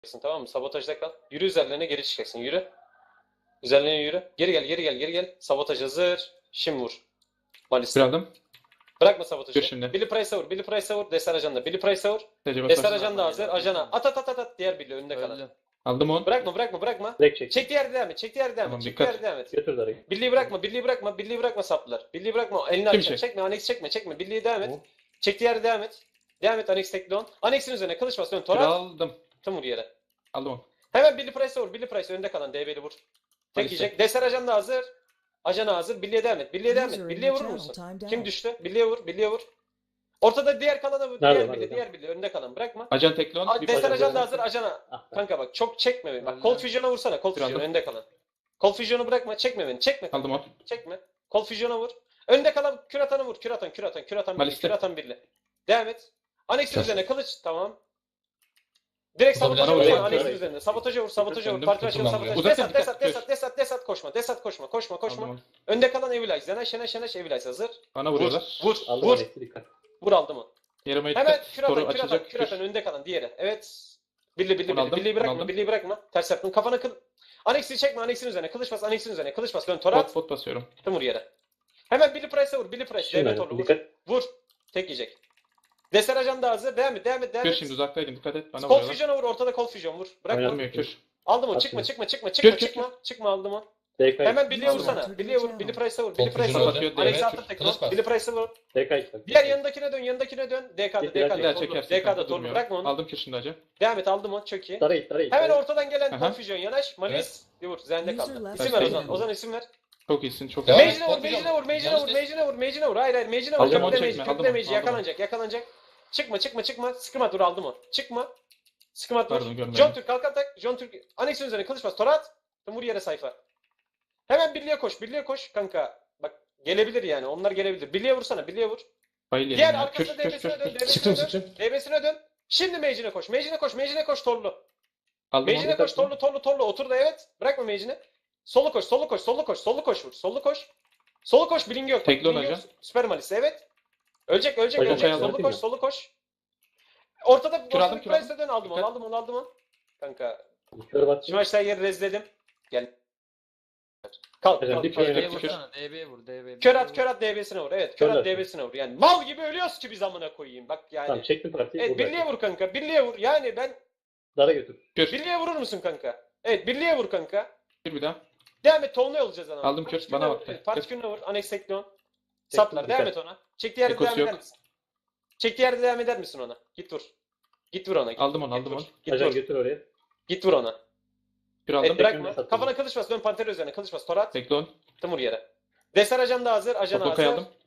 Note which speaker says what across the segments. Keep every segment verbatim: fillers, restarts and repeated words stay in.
Speaker 1: Tamam mı? Sabotajda kal. Yürü üzerlerine geri çıkacaksın. Yürü. Üzerlerine yürü. Geri gel, geri gel, geri gel. Sabotaj hazır. Şimdi vur. Malisi.
Speaker 2: Bir aldım.
Speaker 1: Bırakma sabotajı.
Speaker 2: Gör şimdi.
Speaker 1: Billy Price'a vur. Billy Price'a vur. Destar ajanda. Billy Price'a vur.
Speaker 2: Tecrübe
Speaker 1: Destar
Speaker 2: sor.
Speaker 1: ajan da hazır. Ajana. At at at at at. Diğer birliği önünde kalan.
Speaker 3: Öldüm.
Speaker 2: Aldım on.
Speaker 1: Bırakma bırakma bırakma.
Speaker 4: Direkt çek.
Speaker 1: Çek diğer devam et. Çek diğer devam
Speaker 2: Tamam,
Speaker 1: et. Çek
Speaker 2: dikkat.
Speaker 1: diğer devam et.
Speaker 4: Götür darayı.
Speaker 1: Birliği bırakma. Birliği bırakma. Birliği bırakma saplılar. Birliği bırakma. Elini
Speaker 2: Kim
Speaker 1: açacak.
Speaker 2: çek?
Speaker 1: Çekme. Anex çekme. Çekme. Birliği devam et.
Speaker 4: Tamam.
Speaker 1: Çek diğer devam et. Devam et. Anex tekli on. Anex'in üzerine kılıç bas. Dön.
Speaker 2: Bir
Speaker 1: Torat.
Speaker 2: aldım.
Speaker 1: Tım vur yere.
Speaker 2: Aldım on.
Speaker 1: Hemen Billy Price'a vur. Billy Price önünde kalan D B'li vur. Tek
Speaker 2: Maalesef.
Speaker 1: yiyecek. Deser ajan da hazır. Ajana hazır. Billy'e devam et. Billy'e devam et. Billy'e vurur musun? Kim düştü? Billy'e vur. Billy'e vur. Ortada diğer kalana vur.
Speaker 4: Nerede,
Speaker 1: Diğer
Speaker 4: nerede?
Speaker 1: Billy. Diğer Billy. Önünde kalan. Bırakma.
Speaker 2: Ajan tekli on.
Speaker 1: Aa,
Speaker 2: Bir
Speaker 1: Deser
Speaker 2: parça
Speaker 1: ajan da
Speaker 2: daha.
Speaker 1: hazır. Ajana.
Speaker 4: Ah,
Speaker 1: Kanka bak çok çekme beni. Bak
Speaker 3: Öldü.
Speaker 1: Cold Fusion'a vursana. Cold
Speaker 2: Bir
Speaker 1: Fusion
Speaker 2: aldım.
Speaker 1: önünde kalan. Cold Fusion'u bırakma. Çekme beni. Çekme. kanka.
Speaker 2: Aldım on.
Speaker 1: Çekme. Cold Fusion'a vur. Önde kalan kür atanı vur. Kür atan, kür atan, kür atan birli.
Speaker 2: Malis'te.
Speaker 1: Kür atan birli. Devam et. Anex'in
Speaker 2: Kür.
Speaker 1: üzerine kılıç. Tamam. Direkt sabotaja
Speaker 2: Bana
Speaker 1: vur.
Speaker 2: vuruyor.
Speaker 1: Anex'in
Speaker 4: Kür.
Speaker 1: üzerine. Sabotaja vur. Sabotaja vur.
Speaker 2: Döndüm,
Speaker 1: Parti başkanı
Speaker 2: tutulmam
Speaker 1: sabotaj.
Speaker 2: buraya.
Speaker 1: Desat, desat,
Speaker 2: Uzatın,
Speaker 1: desat, desat, desat koşma. Desat koşma. Koşma, koşma.
Speaker 2: Aldım on.
Speaker 1: Önde kalan Evilize. Zenaş, Şeneş, Şeneş, Evilize hazır.
Speaker 2: Bana
Speaker 1: Vur.
Speaker 2: vuruyorlar.
Speaker 1: Vur.
Speaker 4: Aldım
Speaker 1: Vur.
Speaker 4: Alex'i, dikkat.
Speaker 1: Vur aldım onu.
Speaker 2: Yarıma
Speaker 1: Hemen
Speaker 2: dikkat.
Speaker 1: kür atan,
Speaker 2: Toru
Speaker 1: kür atan,
Speaker 2: açılacak.
Speaker 1: kür atan. Önde kalan diğeri. Evet. Birli, birli,
Speaker 2: Onu
Speaker 1: birli.
Speaker 2: aldım,
Speaker 1: Birliği
Speaker 2: onu
Speaker 1: bırakma.
Speaker 2: aldım.
Speaker 1: Birliği bırakma. Ters yaptın. Kafana kıl. Anex'i çekme. Anex'in üzerine. Kılıç bas. Anex'in üzerine. Kılıç bas. Dön. Torat.
Speaker 2: Pot pot basıyorum.
Speaker 1: Tım vur yere. Hemen Billy Price'a vur. Billy Price.
Speaker 4: Şimdi
Speaker 1: Devlet orlu vur.
Speaker 4: dikkat.
Speaker 1: Vur. Tek yiyecek. Deser ajan da hazır. Devam et. Devam et. Devam
Speaker 2: Kür
Speaker 1: et.
Speaker 2: şimdi uzaktaydın. Dikkat et. Bana
Speaker 1: Cold
Speaker 2: vuruyorlar.
Speaker 1: Fusion'a vur. Ortada Cold Fusion vur. Bırakma.
Speaker 4: Aynen.
Speaker 2: Olmuyor kür.
Speaker 1: Aldım onu.
Speaker 4: Atma.
Speaker 1: Çıkma çıkma çıkma çıkma
Speaker 2: Kür, kür,
Speaker 1: çıkma. Çıkma aldım onu.
Speaker 4: D K.
Speaker 1: Hemen Billy'e
Speaker 2: Aldım.
Speaker 1: vursana. Billy'e vur. Billy Price'a vur. Billy
Speaker 5: Cold
Speaker 1: Price'a
Speaker 5: Fusion
Speaker 1: vur.
Speaker 2: atıyor,
Speaker 1: Alex
Speaker 2: D B,
Speaker 1: attı tek.
Speaker 5: kılıç bas.
Speaker 1: Billy Price'a vur.
Speaker 4: D K işte.
Speaker 1: Diğer yanındakine dön. Yanındakine dön. D K'da.
Speaker 4: Git,
Speaker 1: D
Speaker 4: biraz
Speaker 1: K'da.
Speaker 2: Bir daha
Speaker 1: Torlu.
Speaker 2: çekersin.
Speaker 1: D K'da
Speaker 2: kanka,
Speaker 1: torlu.
Speaker 2: durmuyor.
Speaker 1: Bırakma onu.
Speaker 2: Aldım kür şimdi acı.
Speaker 1: Devam et. Aldım onu. Çok iyi.
Speaker 4: Darayı darayı.
Speaker 1: Hemen
Speaker 4: darayı.
Speaker 1: ortadan gelen
Speaker 2: Aha.
Speaker 1: Confusion yanaş. Malis. Bir vur. Zende kaldı.
Speaker 6: User
Speaker 1: İsim ver
Speaker 2: left
Speaker 1: Ozan.
Speaker 6: field.
Speaker 1: Ozan isim ver.
Speaker 2: Çok iyisin. Çok
Speaker 5: Devam
Speaker 2: iyisin.
Speaker 5: et.
Speaker 1: Mage'ine vur. Mage'ine vur. Mage'ine vur. Mage'ine vur. Mage'ine vur. Hayır hayır. Mage'ine vur.
Speaker 2: Aldım onu,
Speaker 1: Köprüde
Speaker 2: çekme,
Speaker 1: Mage.
Speaker 2: aldım
Speaker 1: Köprüde
Speaker 2: onu,
Speaker 1: Mage.
Speaker 2: aldım
Speaker 1: Yakalanacak. Yakalanacak. Çıkma çıkma çıkma. Sıkımat vur. Aldım onu. Çıkma. Sıkımat
Speaker 2: Pardon,
Speaker 1: vur.
Speaker 2: görmedim.
Speaker 1: John Türk kalk atak. John Türk. Anex'in üzerine kılıç bas. Torat. Vur yere sayfa. Hemen birliğe koş. Birliğe koş kanka. Bak gelebilir yani. Onlar gelebilir. Birliğe vursana. Birliğe vur.
Speaker 2: Bayıl
Speaker 1: Diğer
Speaker 2: yedim ya. Kür
Speaker 1: arkasına
Speaker 2: kür
Speaker 1: D B'sine dön.
Speaker 2: kür.
Speaker 1: D B'sine
Speaker 5: Sıktım
Speaker 1: dön.
Speaker 5: sıktım.
Speaker 1: D B'sine dön. Şimdi Mage'ine koş. Mage'ine koş. Mage'ine koş. Torlu.
Speaker 2: Aldım
Speaker 1: Mage'ine
Speaker 2: onu.
Speaker 1: koş. Torlu torlu torlu. Otur da evet. Bırakma Mage'ini. Solu koş. Solu koş. Solu koş. Solu koş vur. Solu koş. Solu koş. Bilingi yok.
Speaker 2: Tekli
Speaker 1: Bilingi
Speaker 2: olacak.
Speaker 1: yok. Süper Malisi evet. Ölecek ölecek
Speaker 4: Hocam,
Speaker 1: ölecek.
Speaker 2: şey
Speaker 1: Solu
Speaker 4: aldım.
Speaker 1: koş. Solu koş. Ortada
Speaker 2: Kür aldım,
Speaker 1: Boston
Speaker 2: kür aldım.
Speaker 1: Price'e dön. Aldım onu.
Speaker 2: Dikkat.
Speaker 1: Aldım onu. Aldım onu. Kanka.
Speaker 4: Kör bat.
Speaker 1: Şu maçta yeri rezledim. Gel. Kalk
Speaker 4: Hocam,
Speaker 1: kalk.
Speaker 4: bir
Speaker 1: kalk.
Speaker 4: kere-
Speaker 3: D B'ye
Speaker 2: kür.
Speaker 3: vursana. D B'ye vur. D B'ye.
Speaker 1: Kör at kör at D B'sine vur. Evet kör at
Speaker 4: Körler.
Speaker 1: D B'sine vur. Yani mal gibi ölüyoruz ki biz amına koyayım. Bak yani.
Speaker 4: Tamam çektim partiyi.
Speaker 1: Evet
Speaker 4: vur
Speaker 1: birliğe vur kanka. Birliğe vur. Yani ben
Speaker 4: Dara götür.
Speaker 2: Kür.
Speaker 1: birliğe vurur musun kanka? Evet birliğe vur kanka.
Speaker 2: Kür bir daha.
Speaker 1: Devam et Tolunay olacağız ana.
Speaker 2: Aldım kür, bana baktı.
Speaker 1: Parti kürüne vur. Anex Teknon. Saplar
Speaker 4: dikkat.
Speaker 1: devam et ona. Çektiği yerde
Speaker 2: Ekosu
Speaker 1: devam eder
Speaker 2: yok.
Speaker 1: misin? Çektiği yerde devam eder misin ona? Git vur. Git vur ona. Git,
Speaker 2: Aldım onu,
Speaker 1: git
Speaker 2: aldım
Speaker 1: vur.
Speaker 2: onu.
Speaker 1: Git
Speaker 4: Ajan
Speaker 1: vur.
Speaker 4: götür oraya.
Speaker 1: Git vur ona.
Speaker 2: Kür
Speaker 1: Evet
Speaker 2: aldım.
Speaker 1: bırakma.
Speaker 4: sattım.
Speaker 1: Kafana kılıç bas. Dön Panter üzerine. Kılıç bas. Torat.
Speaker 2: Tekli on.
Speaker 1: Tımur yere. Deser ajan da hazır. Ajan
Speaker 2: Topokayı
Speaker 1: hazır.
Speaker 2: aldım.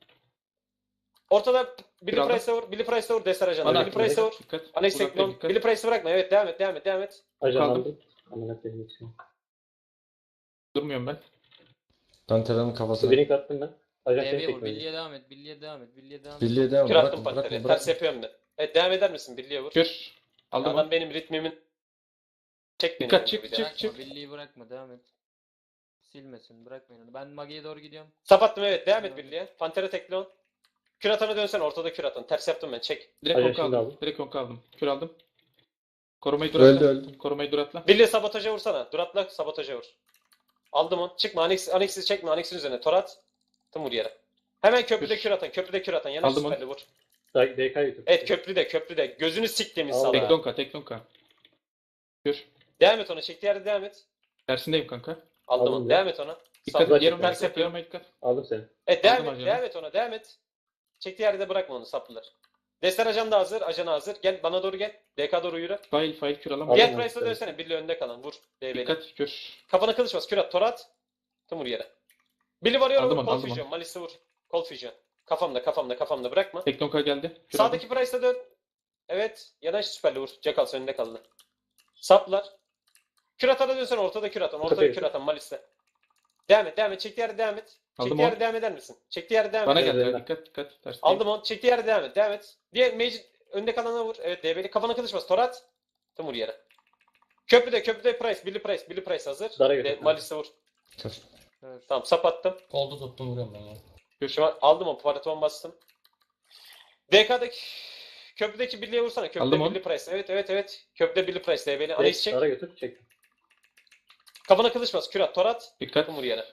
Speaker 1: Ortada Billy
Speaker 2: aldım.
Speaker 1: Price'a vur. Billy Price'a vur. Deser ajan.
Speaker 2: Bana
Speaker 1: Billy Price'a vur.
Speaker 2: Dikkat.
Speaker 1: Anex
Speaker 2: Uzakta
Speaker 1: Teknon.
Speaker 2: dikkat.
Speaker 1: Billy Price'ı bırakma. Evet devam et. Devam et. Devam et.
Speaker 4: Ajan
Speaker 2: Kaldım.
Speaker 4: aldım. Amına koyayım için.
Speaker 2: Durmuyorum ben.
Speaker 5: Dantela'nın kafasına.
Speaker 4: Blink attım ben. Ajan
Speaker 3: D
Speaker 4: seni
Speaker 3: B'ye vur.
Speaker 4: çekmedi.
Speaker 3: Billy'e devam et. Billy'e devam et. Billy'e devam et.
Speaker 5: Birliğe devam.
Speaker 1: Kür attım
Speaker 5: Bırakma
Speaker 1: Panter'e.
Speaker 5: bırakma
Speaker 1: Ters
Speaker 5: bırakma.
Speaker 1: yapıyorum ben. Evet devam eder misin? Birliğe vur.
Speaker 2: Kür. Aldım
Speaker 1: Adam
Speaker 2: onu.
Speaker 1: benim ritmimin. Çek beni.
Speaker 2: Dikkat,
Speaker 1: yani
Speaker 2: çık,
Speaker 1: bir de.
Speaker 2: çık.
Speaker 3: Bırakma. Billy'yi bırakma. Devam et. Silmesin. Bırakmayın onu. Ben Mage'ye doğru gidiyorum.
Speaker 1: Sapattım evet. Devam et birliğe. Panter'e tekli on. Kür atana dönsen ortada kür atan. Ters yaptım ben. Çek.
Speaker 2: Direkt
Speaker 4: Ajan
Speaker 2: onka
Speaker 4: şimdi
Speaker 2: aldım.
Speaker 4: aldım.
Speaker 2: Direkt onka aldım. Kür aldım. Korumayı
Speaker 5: Öldü
Speaker 2: duratla.
Speaker 5: öldü.
Speaker 2: Korumayı duratla.
Speaker 1: Birliğe sabotaja vursana. Duratla sabotaja vur. Aldım on. Çıkma. Anex, Anex'i çekme. Anex'in üzerine. Torat. Tım vur yere. Hemen köprüde
Speaker 2: Kür.
Speaker 1: kür atan. Köprüde kür atan. Yanaş
Speaker 2: Aldım onu.
Speaker 1: süperli vur.
Speaker 4: D K götür.
Speaker 1: Evet köprüde köprüde. Gözünü siktiğimiz
Speaker 4: Aldım.
Speaker 1: sala.
Speaker 2: Tekli onka. Tekli onka. Kür.
Speaker 1: Devam et ona. Çektiği yerde devam et.
Speaker 2: Tersindeyim kanka.
Speaker 1: Aldım
Speaker 4: Aldım
Speaker 1: onu.
Speaker 4: ya.
Speaker 1: Devam et ona.
Speaker 2: Dikkat
Speaker 1: Sal-
Speaker 2: et. Yarım
Speaker 1: Ters
Speaker 2: dikkat.
Speaker 1: yapıyorum.
Speaker 2: Yarıma dikkat.
Speaker 4: Aldım seni.
Speaker 1: Evet devam
Speaker 2: Aldım
Speaker 1: et.
Speaker 2: ajanı.
Speaker 1: Devam et ona. Devam et. Çektiği yerde bırakma onu saplılar. Destar ajan da hazır. Ajan hazır. Gel bana doğru gel. D K doğru yürü.
Speaker 2: Fail fail kür alamam.
Speaker 4: Aldım
Speaker 1: Diğer
Speaker 4: onu,
Speaker 1: Price'a
Speaker 4: evet.
Speaker 1: dönsene. Birliği önde kalan. Vur. D B'li.
Speaker 2: Dikkat. Kür.
Speaker 1: Kafana kılıç bas. Kür at. Torat. Tım vur yere. Billy varıyor.
Speaker 2: Aldım
Speaker 1: Vur.
Speaker 2: onu,
Speaker 1: Cold
Speaker 2: aldım
Speaker 1: Fusion. Malis'e vur. Cold Fusion. Kafamda kafamda kafamda bırakma.
Speaker 2: Tekli onka geldi. Kür aldım.
Speaker 1: Sağdaki Price'a dön. Evet. Yanaş süperli vur. Jackals önünde kaldı. Saplar. Kür atana dönsen ortada kür atan. Ortada
Speaker 4: Kapıyı.
Speaker 1: kür atan Malis'te. Devam et. Devam et. Çektiği yerde devam et.
Speaker 2: Aldım
Speaker 1: Çektiği yerde
Speaker 2: onu.
Speaker 1: devam eder misin? Çektiği yerde devam
Speaker 2: Bana
Speaker 1: et.
Speaker 4: Evet,
Speaker 2: geldi.
Speaker 4: evet.
Speaker 2: Dikkat dikkat. Ters
Speaker 1: Aldım onu. Çektiği yerde devam et. Devam et. Diğer Mage önde kalana vur. Evet D B'li. Kafana kılıç bas. Torat. Tım vur yere. Köprüde köprüde Price. Billy Price. Billy Price hazır.
Speaker 4: Dara
Speaker 1: De,
Speaker 4: götür.
Speaker 1: Malis'e vur.
Speaker 5: Kür.
Speaker 3: Evet.
Speaker 1: Tamam sap attım.
Speaker 5: Kolda tuttum vuruyorum ben ya.
Speaker 2: Kür.
Speaker 1: Şu an aldım o. Paraton bastım. D K'daki köprüdeki birliğe vursana. Köprüde
Speaker 2: Aldım onu.
Speaker 1: birli price. Evet evet evet. Köprüde birli price D B'li.
Speaker 4: Direkt
Speaker 1: Analiz çek.
Speaker 4: Dara götür. Çek.
Speaker 1: Kafana kılıç bas. Kürat. Torat.
Speaker 2: Dikkat.
Speaker 1: Vur yere.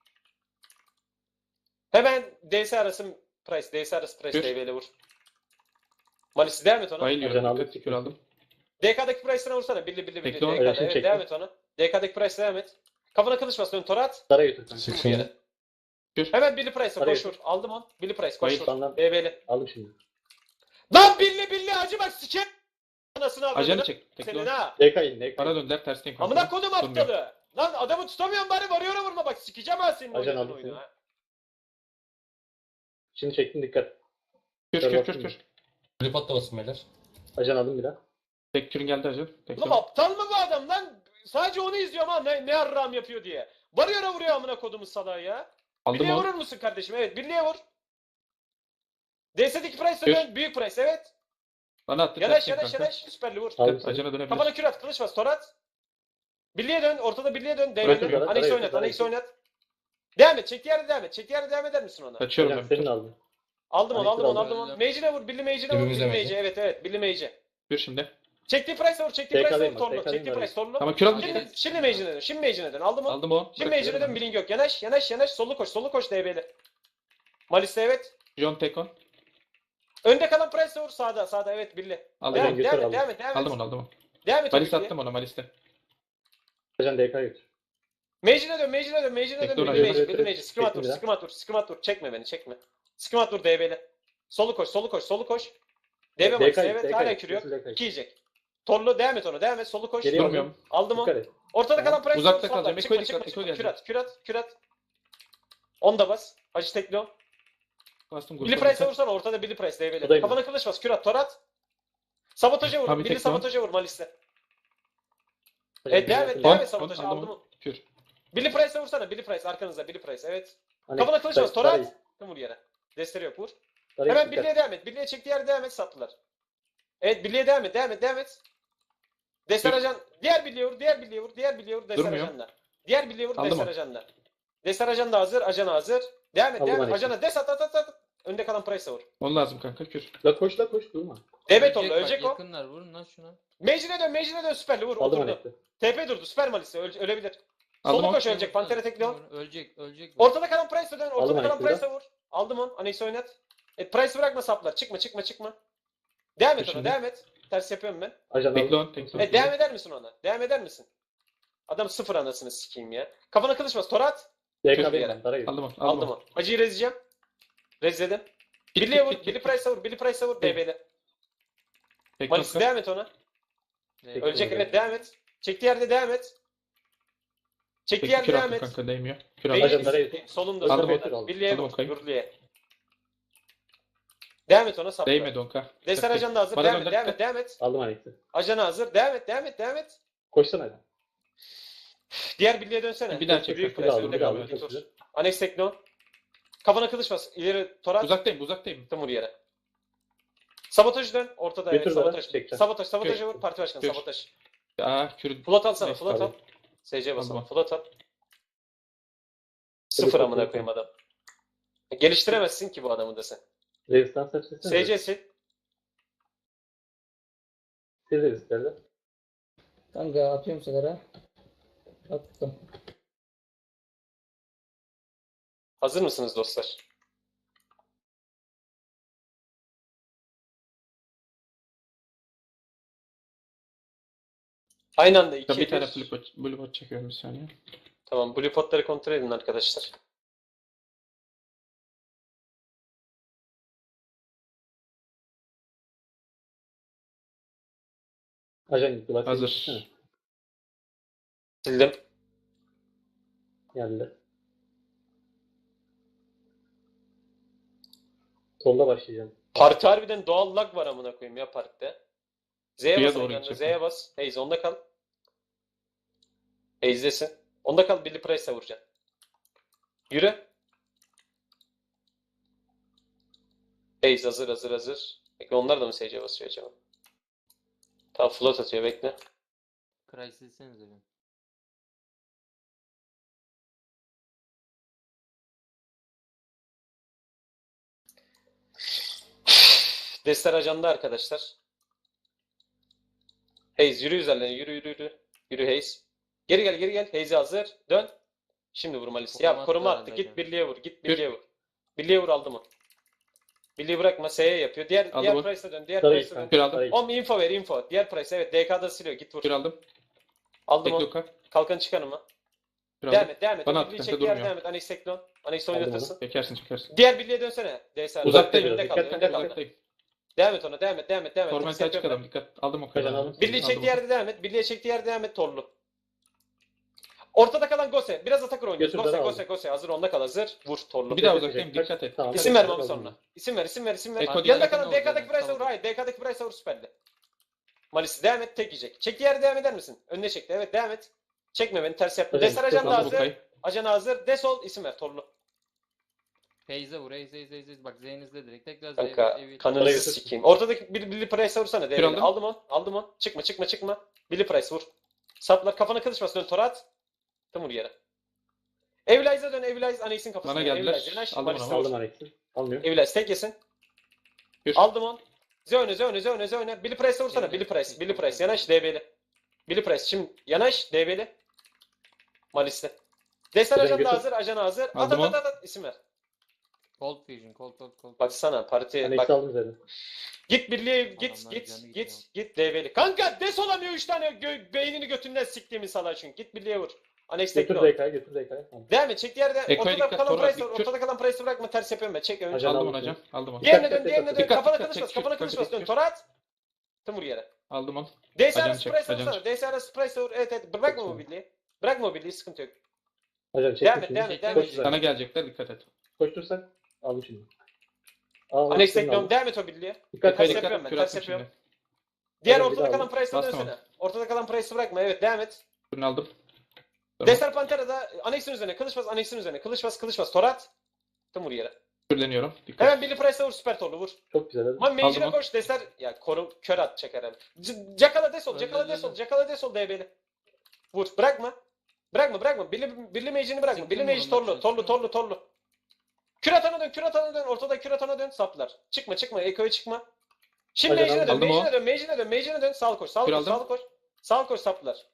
Speaker 1: Hemen D S arası price. D S arası price
Speaker 2: Kür.
Speaker 1: D B'li vur. Malisi devam et ona.
Speaker 2: Bayılıyorum.
Speaker 4: Ajan aldım.
Speaker 2: Dikkat. Kür aldım.
Speaker 1: D K'daki price'ına vursana. Birli birli birli.
Speaker 2: Bekle onu.
Speaker 1: D K'da.
Speaker 4: Ajan
Speaker 1: Evet
Speaker 4: çektim.
Speaker 1: devam et ona. D K'daki price'ına devam et. Kafana kılıç bas. Dön torat.
Speaker 4: Dara götür kanka.
Speaker 5: Sık
Speaker 1: Vur
Speaker 5: şimdi.
Speaker 1: yere.
Speaker 2: Kür.
Speaker 1: Hemen Billy Price'a
Speaker 4: Araya
Speaker 1: koş vur. Aldım on. Billy Price koş
Speaker 2: Bayıl.
Speaker 1: vur.
Speaker 4: Senden
Speaker 1: D B'li.
Speaker 4: aldım şimdi.
Speaker 1: Lan Billy Billy acı bak siker. Anasını avradını.
Speaker 2: Ajanı çek. Tekli
Speaker 1: Senin
Speaker 2: ol.
Speaker 1: ha.
Speaker 4: D K in. D K
Speaker 2: Bana
Speaker 4: in.
Speaker 2: döndüler tersteyim kanka.
Speaker 1: Amına kodum
Speaker 2: Durmuyor.
Speaker 1: aptalı. Lan adamı tutamıyorum bari varıyor'a vurma bak sikeceğim ha senin
Speaker 4: Ajan
Speaker 1: oynadığın
Speaker 4: aldım
Speaker 1: oyunu
Speaker 4: seni.
Speaker 1: ha.
Speaker 4: Şimdi çektim dikkat.
Speaker 2: Kür kür kür kür.
Speaker 5: Flip atlamasın beyler.
Speaker 4: Ajan aldım bir daha.
Speaker 2: Tek kürün geldi ajan. Tekli
Speaker 1: Oğlum
Speaker 2: ol.
Speaker 1: aptal mı bu adam lan? Sadece onu izliyorum ha ne, ne arram yapıyor diye. Varıyor'a vuruyor amına kodumun salağı ya.
Speaker 2: Aldım
Speaker 1: Billy'e
Speaker 2: onu.
Speaker 1: vurur musun kardeşim? Evet Billy'e vur. D S'deki Price'a
Speaker 2: Kür.
Speaker 1: dön. Büyük Price evet.
Speaker 2: Bana attı
Speaker 1: Yanaş
Speaker 2: tersteyim
Speaker 1: yanaş
Speaker 2: kanka.
Speaker 1: yanaş. Süperli vur.
Speaker 4: Aldım
Speaker 2: Dikkat.
Speaker 4: seni.
Speaker 2: Ajana dönebilir.
Speaker 1: Kafana kür at, kılıç bas, torat. Birliğe dön, ortada birliğe dön,
Speaker 4: Bırakın
Speaker 1: devre.
Speaker 4: bana,
Speaker 1: Annex
Speaker 4: araya
Speaker 1: oynat,
Speaker 4: götür,
Speaker 1: Annex
Speaker 4: araya
Speaker 1: oynat. Devam et, çektiği yerde devam et. Çektiği yerde devam eder misin ona?
Speaker 2: Kaçıyorum
Speaker 4: Ajan
Speaker 2: ben.
Speaker 4: senin aldım.
Speaker 1: Aldım onu,
Speaker 4: Annex'i
Speaker 1: aldım onu,
Speaker 4: aldım.
Speaker 1: aldım onu. Mage'ine vur, Billy Mage'ine vur,
Speaker 5: Birbirimize
Speaker 1: Billy
Speaker 5: mage.
Speaker 1: Mage'e. Evet, evet, Billy Mage'e.
Speaker 2: Kür şimdi.
Speaker 1: Çektiği price'e vur, çektiği
Speaker 4: T K'dayım
Speaker 1: price'e vur,
Speaker 4: bak,
Speaker 1: torlu.
Speaker 4: T K'dayım
Speaker 1: Çektiği
Speaker 4: var.
Speaker 1: price, torlu.
Speaker 2: Tamam kür aldım.
Speaker 1: Şimdi, şimdi Mage'ine dön, şimdi Mage'ine dön. Aldım onu.
Speaker 2: Aldım o.
Speaker 1: Şimdi Mage'ine dön, Billing yok. Yanaş, yanaş, yanaş. Solu koş, solu koş D B'li. Malis'te evet.
Speaker 2: John Tekon.
Speaker 1: Önde kalan price'e vur, sağda, sağda evet Billy.
Speaker 2: Aldım
Speaker 1: Devam
Speaker 2: onu.
Speaker 1: et,
Speaker 4: götür,
Speaker 1: devam et,
Speaker 4: aldım.
Speaker 1: devam et, devam et.
Speaker 2: Aldım onu aldım onu.
Speaker 1: Devam et.
Speaker 2: Malis
Speaker 1: o Billy'ye.
Speaker 2: attım ona Malis'te.
Speaker 4: Ajan D K götür.
Speaker 1: Mage'ine dön, Mage'ine dön, Mage'ine dön.
Speaker 2: Bekle,
Speaker 1: Billy
Speaker 2: oraya
Speaker 1: Mage,
Speaker 4: götür.
Speaker 1: Billy Mage. Sıkımat vur,
Speaker 4: Çektim ya.
Speaker 1: sıkımat vur, sıkımat vur. Çekme beni, çekme. Sıkımat vur D B'li. Solu koş, solu koş, solu koş. D B Max, evet hala kürüyor. İki yiyecek. Torlu devam et ona, devam et. Solu koş.
Speaker 4: Geriye
Speaker 2: Durmuyorum.
Speaker 1: Aldım
Speaker 4: Dikkat
Speaker 1: onu.
Speaker 4: et.
Speaker 1: Ortada kalan price
Speaker 2: Uzakta
Speaker 1: soldan.
Speaker 2: kalacağım.
Speaker 1: Çıkma,
Speaker 2: Eko'ya
Speaker 1: çıkma,
Speaker 2: dikkat,
Speaker 1: çıkma.
Speaker 2: Eko'ya
Speaker 1: Kürat, kürat, kürat. On da bas. Hacı tekli o.
Speaker 2: Bastım
Speaker 1: Billy
Speaker 2: grupa.
Speaker 1: Price'e vursana. Ortada Billy Price. D B'li.
Speaker 4: Buradayım.
Speaker 1: Kafana kılıç bas. Kürat, torat. Sabotaja vur.
Speaker 2: Abi
Speaker 1: Billy
Speaker 2: tekli o.
Speaker 1: sabotaja vur Malis'te.
Speaker 4: Ajan
Speaker 1: Evet devam et.
Speaker 4: götür.
Speaker 1: Devam
Speaker 2: On,
Speaker 1: et sabotaja.
Speaker 2: on, aldım
Speaker 1: Aldım
Speaker 2: onu.
Speaker 1: onu.
Speaker 2: Kür.
Speaker 1: Billy Price'e vursana. Billy Price arkanızda. Billy Price. Evet.
Speaker 4: Annex,
Speaker 1: Kafana kılıç
Speaker 4: Dara-
Speaker 1: bas. Torat.
Speaker 4: Dara'yı-
Speaker 1: Vur yere. Desteri yok. Vur.
Speaker 4: Dara'yı
Speaker 1: Hemen
Speaker 4: dikkat.
Speaker 1: Billy'e devam et. Billy'e çektiği yerde devam et. Saptılar. Evet Billy'e devam et. Devam et. Devam et. Destar
Speaker 2: Dur.
Speaker 1: ajan. Diğer Billy'e vur. Diğer Billy'e vur. Diğer Billy'e vur. Destar
Speaker 2: Durmuyor.
Speaker 1: ajanla. Diğer Billy'e vur.
Speaker 2: Aldım
Speaker 1: Destar
Speaker 2: onu.
Speaker 1: ajanla. Destar ajan da hazır. Ajan hazır. Devam et.
Speaker 4: Aldım
Speaker 1: Devam et.
Speaker 4: Alex'i.
Speaker 1: Ajana des at at at at. Önde kalan Price'a vur.
Speaker 2: Onu lazım kanka kür.
Speaker 4: La koş la koş durma.
Speaker 1: Evet oldu.
Speaker 3: Ölecek bak,
Speaker 1: Ölecek o.
Speaker 3: Yakınlar vurun lan şuna.
Speaker 1: Mage'ine dön. Mage'ine dön. Süperli vur.
Speaker 4: Aldım
Speaker 1: Oturdu.
Speaker 4: Annex'i.
Speaker 1: T P durdu. Süper Malis'e. Öle- ölebilir.
Speaker 2: Aldım
Speaker 1: Solu
Speaker 2: onu.
Speaker 1: koş ölecek. Pantere tekli on.
Speaker 3: Ölecek, ölecek. bu.
Speaker 1: Ortada kalan Price'a dön. Ortada
Speaker 4: Aldım
Speaker 1: kalan
Speaker 4: Alex'i de.
Speaker 1: Price'a vur. Aldım on. Annex'i oynat. E, Price bırakma saplar. Çıkma çıkma çıkma. Devam et ona.
Speaker 2: Şimdi.
Speaker 1: Devam et. Ters yapıyorum ben.
Speaker 4: Ajan
Speaker 2: Bekle
Speaker 4: aldım.
Speaker 2: on. Tekli on.
Speaker 1: E, devam eder misin ona? Devam eder misin? Adam sıfır anasını sikeyim ya. Kafana kılıç bas. Torat.
Speaker 4: D
Speaker 1: Kötü
Speaker 4: K'dayım
Speaker 1: yere.
Speaker 4: ben. Dara götür.
Speaker 2: Aldım onu.
Speaker 1: Aldım
Speaker 2: Aldım onu.
Speaker 1: onu. Acıyı rezleyeceğim. Rezledim.
Speaker 2: Git,
Speaker 1: Billy'e
Speaker 2: git,
Speaker 1: vur.
Speaker 2: git,
Speaker 1: Billy
Speaker 2: git.
Speaker 1: Price'a vur. Billy Price'a vur. D B'li.
Speaker 2: Tekli
Speaker 1: Malis
Speaker 2: on.
Speaker 1: devam et ona.
Speaker 3: Evet.
Speaker 1: Ölecek
Speaker 4: Bekle.
Speaker 1: evet devam et. Çektiği yerde devam et. Çektiği
Speaker 2: Tekli
Speaker 1: yerde
Speaker 2: kür
Speaker 1: devam
Speaker 2: attım
Speaker 1: et.
Speaker 2: kanka değmiyor. Kür
Speaker 1: Değil,
Speaker 2: aldım.
Speaker 4: Ajan Dara'yı tut.
Speaker 1: solunda
Speaker 2: Aldım
Speaker 1: solunda.
Speaker 4: onu.
Speaker 1: Billy'e
Speaker 2: Aldım
Speaker 1: vur.
Speaker 2: o kayıp.
Speaker 1: Gürlü'ye. Devam et ona sapla.
Speaker 2: Değmedi onka.
Speaker 1: Destar ajan da hazır.
Speaker 2: Bana
Speaker 1: Devam et,
Speaker 2: döndür.
Speaker 1: devam et, devam et.
Speaker 4: Aldım Annex'i.
Speaker 1: Ajana hazır. Devam et, devam et, devam et.
Speaker 4: Koşsana hadi.
Speaker 1: Diğer Billy'e dönsene.
Speaker 2: Bir daha çek.
Speaker 1: Büyük
Speaker 4: Bir
Speaker 1: press,
Speaker 4: daha aldım.
Speaker 1: önde
Speaker 4: Bir daha
Speaker 1: kal,
Speaker 4: aldım.
Speaker 1: bir
Speaker 4: Çok
Speaker 1: tur.
Speaker 4: güzel.
Speaker 1: Annex Tekno. Kafana kılıç bas. İleri torat.
Speaker 2: Uzaktayım uzaktayım.
Speaker 1: Vur yere. Sabotaj dön. Ortada evet.
Speaker 4: Götür bana,
Speaker 1: Sabotaj.
Speaker 4: çekeceğim.
Speaker 1: Sabotaj. Sabotajı
Speaker 2: Kür.
Speaker 1: vur. Parti başkanı.
Speaker 2: Kür.
Speaker 1: Sabotaj.
Speaker 2: Aa kür.
Speaker 1: Float alsana.
Speaker 2: Neyse,
Speaker 1: Float al.
Speaker 4: tamam.
Speaker 1: S C basalım.
Speaker 2: Aldım.
Speaker 1: Float al. Sıfır
Speaker 4: Hadi,
Speaker 1: amına
Speaker 4: hadi.
Speaker 1: koyayım adam. Geliştiremezsin ki bu adamı desen.
Speaker 4: Resistans açısın.
Speaker 1: S C'si.
Speaker 4: Siz de isterler.
Speaker 6: Kanka atıyorum sigara. Attım.
Speaker 1: Hazır mısınız dostlar? Aynı anda iki
Speaker 2: Bir tane
Speaker 1: bir.
Speaker 2: blue pot, blue pot çekiyorum bir saniye.
Speaker 1: Tamam, blue potları kontrol edin arkadaşlar.
Speaker 4: Ajan gitti. Bak,
Speaker 2: Hazır.
Speaker 4: gitsene.
Speaker 1: Sildim.
Speaker 4: Geldi. Solda başlayacağım.
Speaker 1: Parti harbiden doğal lag var amına koyayım ya parkta. Z'ye
Speaker 2: Suya
Speaker 1: bas
Speaker 2: doğru
Speaker 1: yanına,
Speaker 2: gidecek.
Speaker 1: Z'ye bas. Haze onda kal. Haze'desin. Onda kal, Billy Price'a vuracaksın. Yürü. Haze hazır hazır hazır. Bekle, onlar da mı S C'ye basıyor acaba? Tamam, float atıyor, bekle.
Speaker 3: Crisis'senize bir.
Speaker 1: Destek ajanda arkadaşlar. Hayes yürü üzerlerine yürü yürü yürü. Yürü Hayes. Geri gel geri gel. Hayes'e hazır. Dön. Şimdi vur Malis'i. Ya
Speaker 3: Koruma
Speaker 1: koruma
Speaker 3: attı
Speaker 1: attı.
Speaker 3: herhalde
Speaker 1: Git
Speaker 3: hocam.
Speaker 1: birliğe vur. Git birliğe vur. Birliğe vur aldı mı? Birliği bırakma. S'ye yapıyor. Diğer
Speaker 2: Aldı
Speaker 1: diğer
Speaker 2: bu.
Speaker 1: Price'a dön. Diğer
Speaker 4: Sarı
Speaker 1: Price'a dön.
Speaker 4: ilk
Speaker 2: Kür aldım.
Speaker 4: Sarı ilk.
Speaker 1: Om info ver info. Diğer Price evet D K'da siliyor. Git vur.
Speaker 2: Kür aldım.
Speaker 1: Aldım onu.
Speaker 2: Tekloka.
Speaker 1: Kalkan çıkarım mı?
Speaker 2: Kür
Speaker 1: Devam
Speaker 2: aldım.
Speaker 1: et devam et.
Speaker 2: Bana
Speaker 1: O
Speaker 2: at,
Speaker 1: birliği
Speaker 2: kanka,
Speaker 1: çek diğer
Speaker 2: durmuyor.
Speaker 1: devam et. Anex Teklon. Anex
Speaker 4: Aldım
Speaker 1: oynatırsın.
Speaker 2: Çekersin çekersin.
Speaker 1: Diğer birliğe dönsene. D S R.
Speaker 2: Uzaktayım.
Speaker 1: Önde
Speaker 4: biraz,
Speaker 1: kaldı.
Speaker 4: dikkat,
Speaker 1: Önde
Speaker 4: dikkat,
Speaker 1: kaldı.
Speaker 2: Uzaktayım.
Speaker 1: Devam et ona. Devam et. Devam et. Devam et.
Speaker 2: Torment
Speaker 1: Tekrar
Speaker 2: açık
Speaker 1: yapıyorum
Speaker 2: adam. Dikkat. Aldım o
Speaker 4: Kacan
Speaker 2: kadar.
Speaker 4: aldım.
Speaker 1: Birliği
Speaker 2: Aldım
Speaker 1: çektiği
Speaker 2: onu.
Speaker 1: yerde devam et. Birliğe çektiği yerde devam et. Torlu. Ortada kalan Gose. Biraz atakır oynuyoruz.
Speaker 4: Götür,
Speaker 1: Gose
Speaker 4: ben
Speaker 1: Gose
Speaker 4: aldım.
Speaker 1: Gose. Hazır onda kal hazır. Vur Torlu.
Speaker 2: Bir daha
Speaker 4: Kaç-
Speaker 2: uzaktayım.
Speaker 4: kaç-
Speaker 2: Dikkat et.
Speaker 4: Tamam.
Speaker 1: İsim
Speaker 4: kaç-
Speaker 1: ver Mami
Speaker 4: kaç-
Speaker 1: sonra. İsim ver, isim ver, isim ver.
Speaker 2: Eko
Speaker 1: Yanında
Speaker 2: diğer
Speaker 1: kalan
Speaker 3: yakın
Speaker 1: D K'daki
Speaker 3: olacak.
Speaker 1: Price'a vur. Hayır, D K'daki Price'a vur süperli. Malisi devam et, tek yiyecek. Çektiği yerde devam eder misin? Önüne çekti. Evet, devam et. Çekme beni, ters yapma.
Speaker 4: Hocam,
Speaker 1: Destar ajan da
Speaker 4: aldım
Speaker 2: Aldım
Speaker 1: hazır.
Speaker 2: Okay'ı.
Speaker 1: Ajan hazır. Desol, isim ver Torlu.
Speaker 3: Hayes'e vur. Hayes Hayes Hayes. Hayes. Bak Zeyniz'de direkt. Tekrar
Speaker 1: Kanka,
Speaker 3: Zeyniz'e. Evet.
Speaker 1: kanınızı
Speaker 4: Oraya
Speaker 1: sikeyim. Ortadaki Billy, Billy Price'a vursana.
Speaker 2: Bir
Speaker 1: Devrini.
Speaker 2: aldım.
Speaker 1: Aldım onu, aldım onu. Çıkma, çıkma, çıkma. Billy Price vur. Saplar, kafana kılıç bas, dön Torat. Tam vur yere. Evlize'a dön, Evlize Anex'in kafasına.
Speaker 2: Bana geldiler.
Speaker 1: Evlize, yanaş,
Speaker 2: Aldım
Speaker 1: Malis'e
Speaker 2: onu.
Speaker 1: vur.
Speaker 4: Aldım Alex'i. Almıyor.
Speaker 1: Evlize tek yesin.
Speaker 2: Bir.
Speaker 1: Aldım on. Zöne zöne zöne zöne. Billy Price'e vursana.
Speaker 3: Evet,
Speaker 1: Billy Price.
Speaker 3: evet,
Speaker 1: Billy
Speaker 3: evet.
Speaker 1: Price. Yanaş D B'li. Billy Price. Şimdi yanaş D B'li. Malis'te. Destan
Speaker 4: Hocam
Speaker 1: ajan da
Speaker 4: götür.
Speaker 1: hazır. Ajan hazır. At
Speaker 2: Aldım
Speaker 1: at
Speaker 2: on.
Speaker 1: at at. İsim ver.
Speaker 3: Cold Fusion. Cold Cold Cold.
Speaker 1: Baksana parti.
Speaker 4: Alex'i
Speaker 1: Bak.
Speaker 4: aldım üzerine.
Speaker 1: Git birliğe git
Speaker 3: Adamlar
Speaker 1: git
Speaker 3: canı
Speaker 1: git
Speaker 3: gidiyor.
Speaker 1: git D B'li. Kanka des olamıyor üç tane gö- beynini götünden siktiğimi salak çünkü. Git birliğe vur. Anex
Speaker 4: Götür
Speaker 1: tekno.
Speaker 4: D K'yı götür D K'yı. Tamam.
Speaker 1: Devam et. Çek yerde.
Speaker 2: Eko'ya
Speaker 1: Ortada
Speaker 2: dikkat,
Speaker 1: kalan
Speaker 2: Torat,
Speaker 1: Price'ı.
Speaker 2: dikkat.
Speaker 1: Ortada kalan Price'ı bırakma. Ters yapıyorum ben. Çek ön.
Speaker 4: Ajan
Speaker 2: Aldım
Speaker 4: aldım
Speaker 2: onu
Speaker 4: seni.
Speaker 2: hocam. Aldım onu.
Speaker 1: Diğerine
Speaker 4: Dikkat,
Speaker 1: dön.
Speaker 4: dikkat,
Speaker 1: Diğerine dön.
Speaker 4: dikkat.
Speaker 1: Kafana
Speaker 2: Dikkat,
Speaker 1: kılıç bas.
Speaker 2: çek,
Speaker 1: Kafana
Speaker 2: çek,
Speaker 1: kılıç
Speaker 2: çek,
Speaker 1: bas. Dön.
Speaker 2: çek.
Speaker 1: Torat. Tım vur yere.
Speaker 2: Aldım onu.
Speaker 1: D S R
Speaker 2: Ajan çek,
Speaker 1: Price'e
Speaker 2: ajan
Speaker 1: vursana.
Speaker 2: çek.
Speaker 1: D S R Price'e vur. Evet evet. Bırakma
Speaker 4: Çok
Speaker 1: mobilliği. Bırakma mobilliği. Sıkıntı yok.
Speaker 4: Ajan çektim
Speaker 1: Devam et,
Speaker 4: şimdi.
Speaker 1: devam et, devam
Speaker 4: Koş
Speaker 1: et.
Speaker 4: üzerine.
Speaker 2: Sana gelecekler. Dikkat et.
Speaker 4: Koştursak. Aldım şimdi. Al,
Speaker 1: Anex
Speaker 4: aldım,
Speaker 1: teknom
Speaker 4: aldım.
Speaker 1: devam et o birliğe.
Speaker 4: Dikkat
Speaker 1: Ters
Speaker 2: Eko'ya
Speaker 4: et.
Speaker 1: yapıyorum
Speaker 2: dikkat.
Speaker 1: ben,
Speaker 2: Kür
Speaker 1: ters
Speaker 2: attım
Speaker 1: yapıyorum.
Speaker 2: şimdi.
Speaker 1: Diğer
Speaker 4: Hadi bir
Speaker 1: ortada
Speaker 4: daha
Speaker 1: kalan
Speaker 4: aldım.
Speaker 1: Price'e
Speaker 2: Bastım
Speaker 1: dönsene. Ortada kalan Price'ı bırakma. Evet devam et.
Speaker 2: Kürünü aldım. Tamam.
Speaker 1: Destar Pantera'da Anex'in üzerine. Kılıç bas, Anex'in üzerine. Kılıç bas, kılıç bas. Torat. Tım vur yere.
Speaker 2: Kürleniyorum. Dikkat.
Speaker 1: Hemen Billy Price'e vur. Süper torlu vur.
Speaker 4: Çok güzel. Hadi.
Speaker 1: Ama Mage'ine
Speaker 2: Aldım o.
Speaker 1: koş. Destar. Ya korum kör at çeker hem. C- Cakala desol.
Speaker 3: Öldü,
Speaker 1: Cakala
Speaker 3: öldü,
Speaker 1: desol.
Speaker 3: öldü.
Speaker 1: Cakala desol D B'li. Vur. Bırakma. Bırakma bırakma. Billy, Billy Mage'ini bırakma.
Speaker 3: Sıktım
Speaker 1: Billy Mage
Speaker 3: onu,
Speaker 1: torlu.
Speaker 3: sıktım.
Speaker 1: Torlu torlu torlu. Kür atana dön. Kür atana dön. Ortada kür atana dön. Saplar. Çıkma çıkma. Eko'ya çıkma. Şimdi
Speaker 4: Hadi,
Speaker 1: Mage'ine dön.
Speaker 2: aldım o.
Speaker 1: Mage'ine dön. Mage'ine dön. Mage'ine dön. Sağ koş. Sağ
Speaker 2: Kür
Speaker 1: koş.
Speaker 2: aldım.
Speaker 1: Sağ koş. Sağ koş saplar.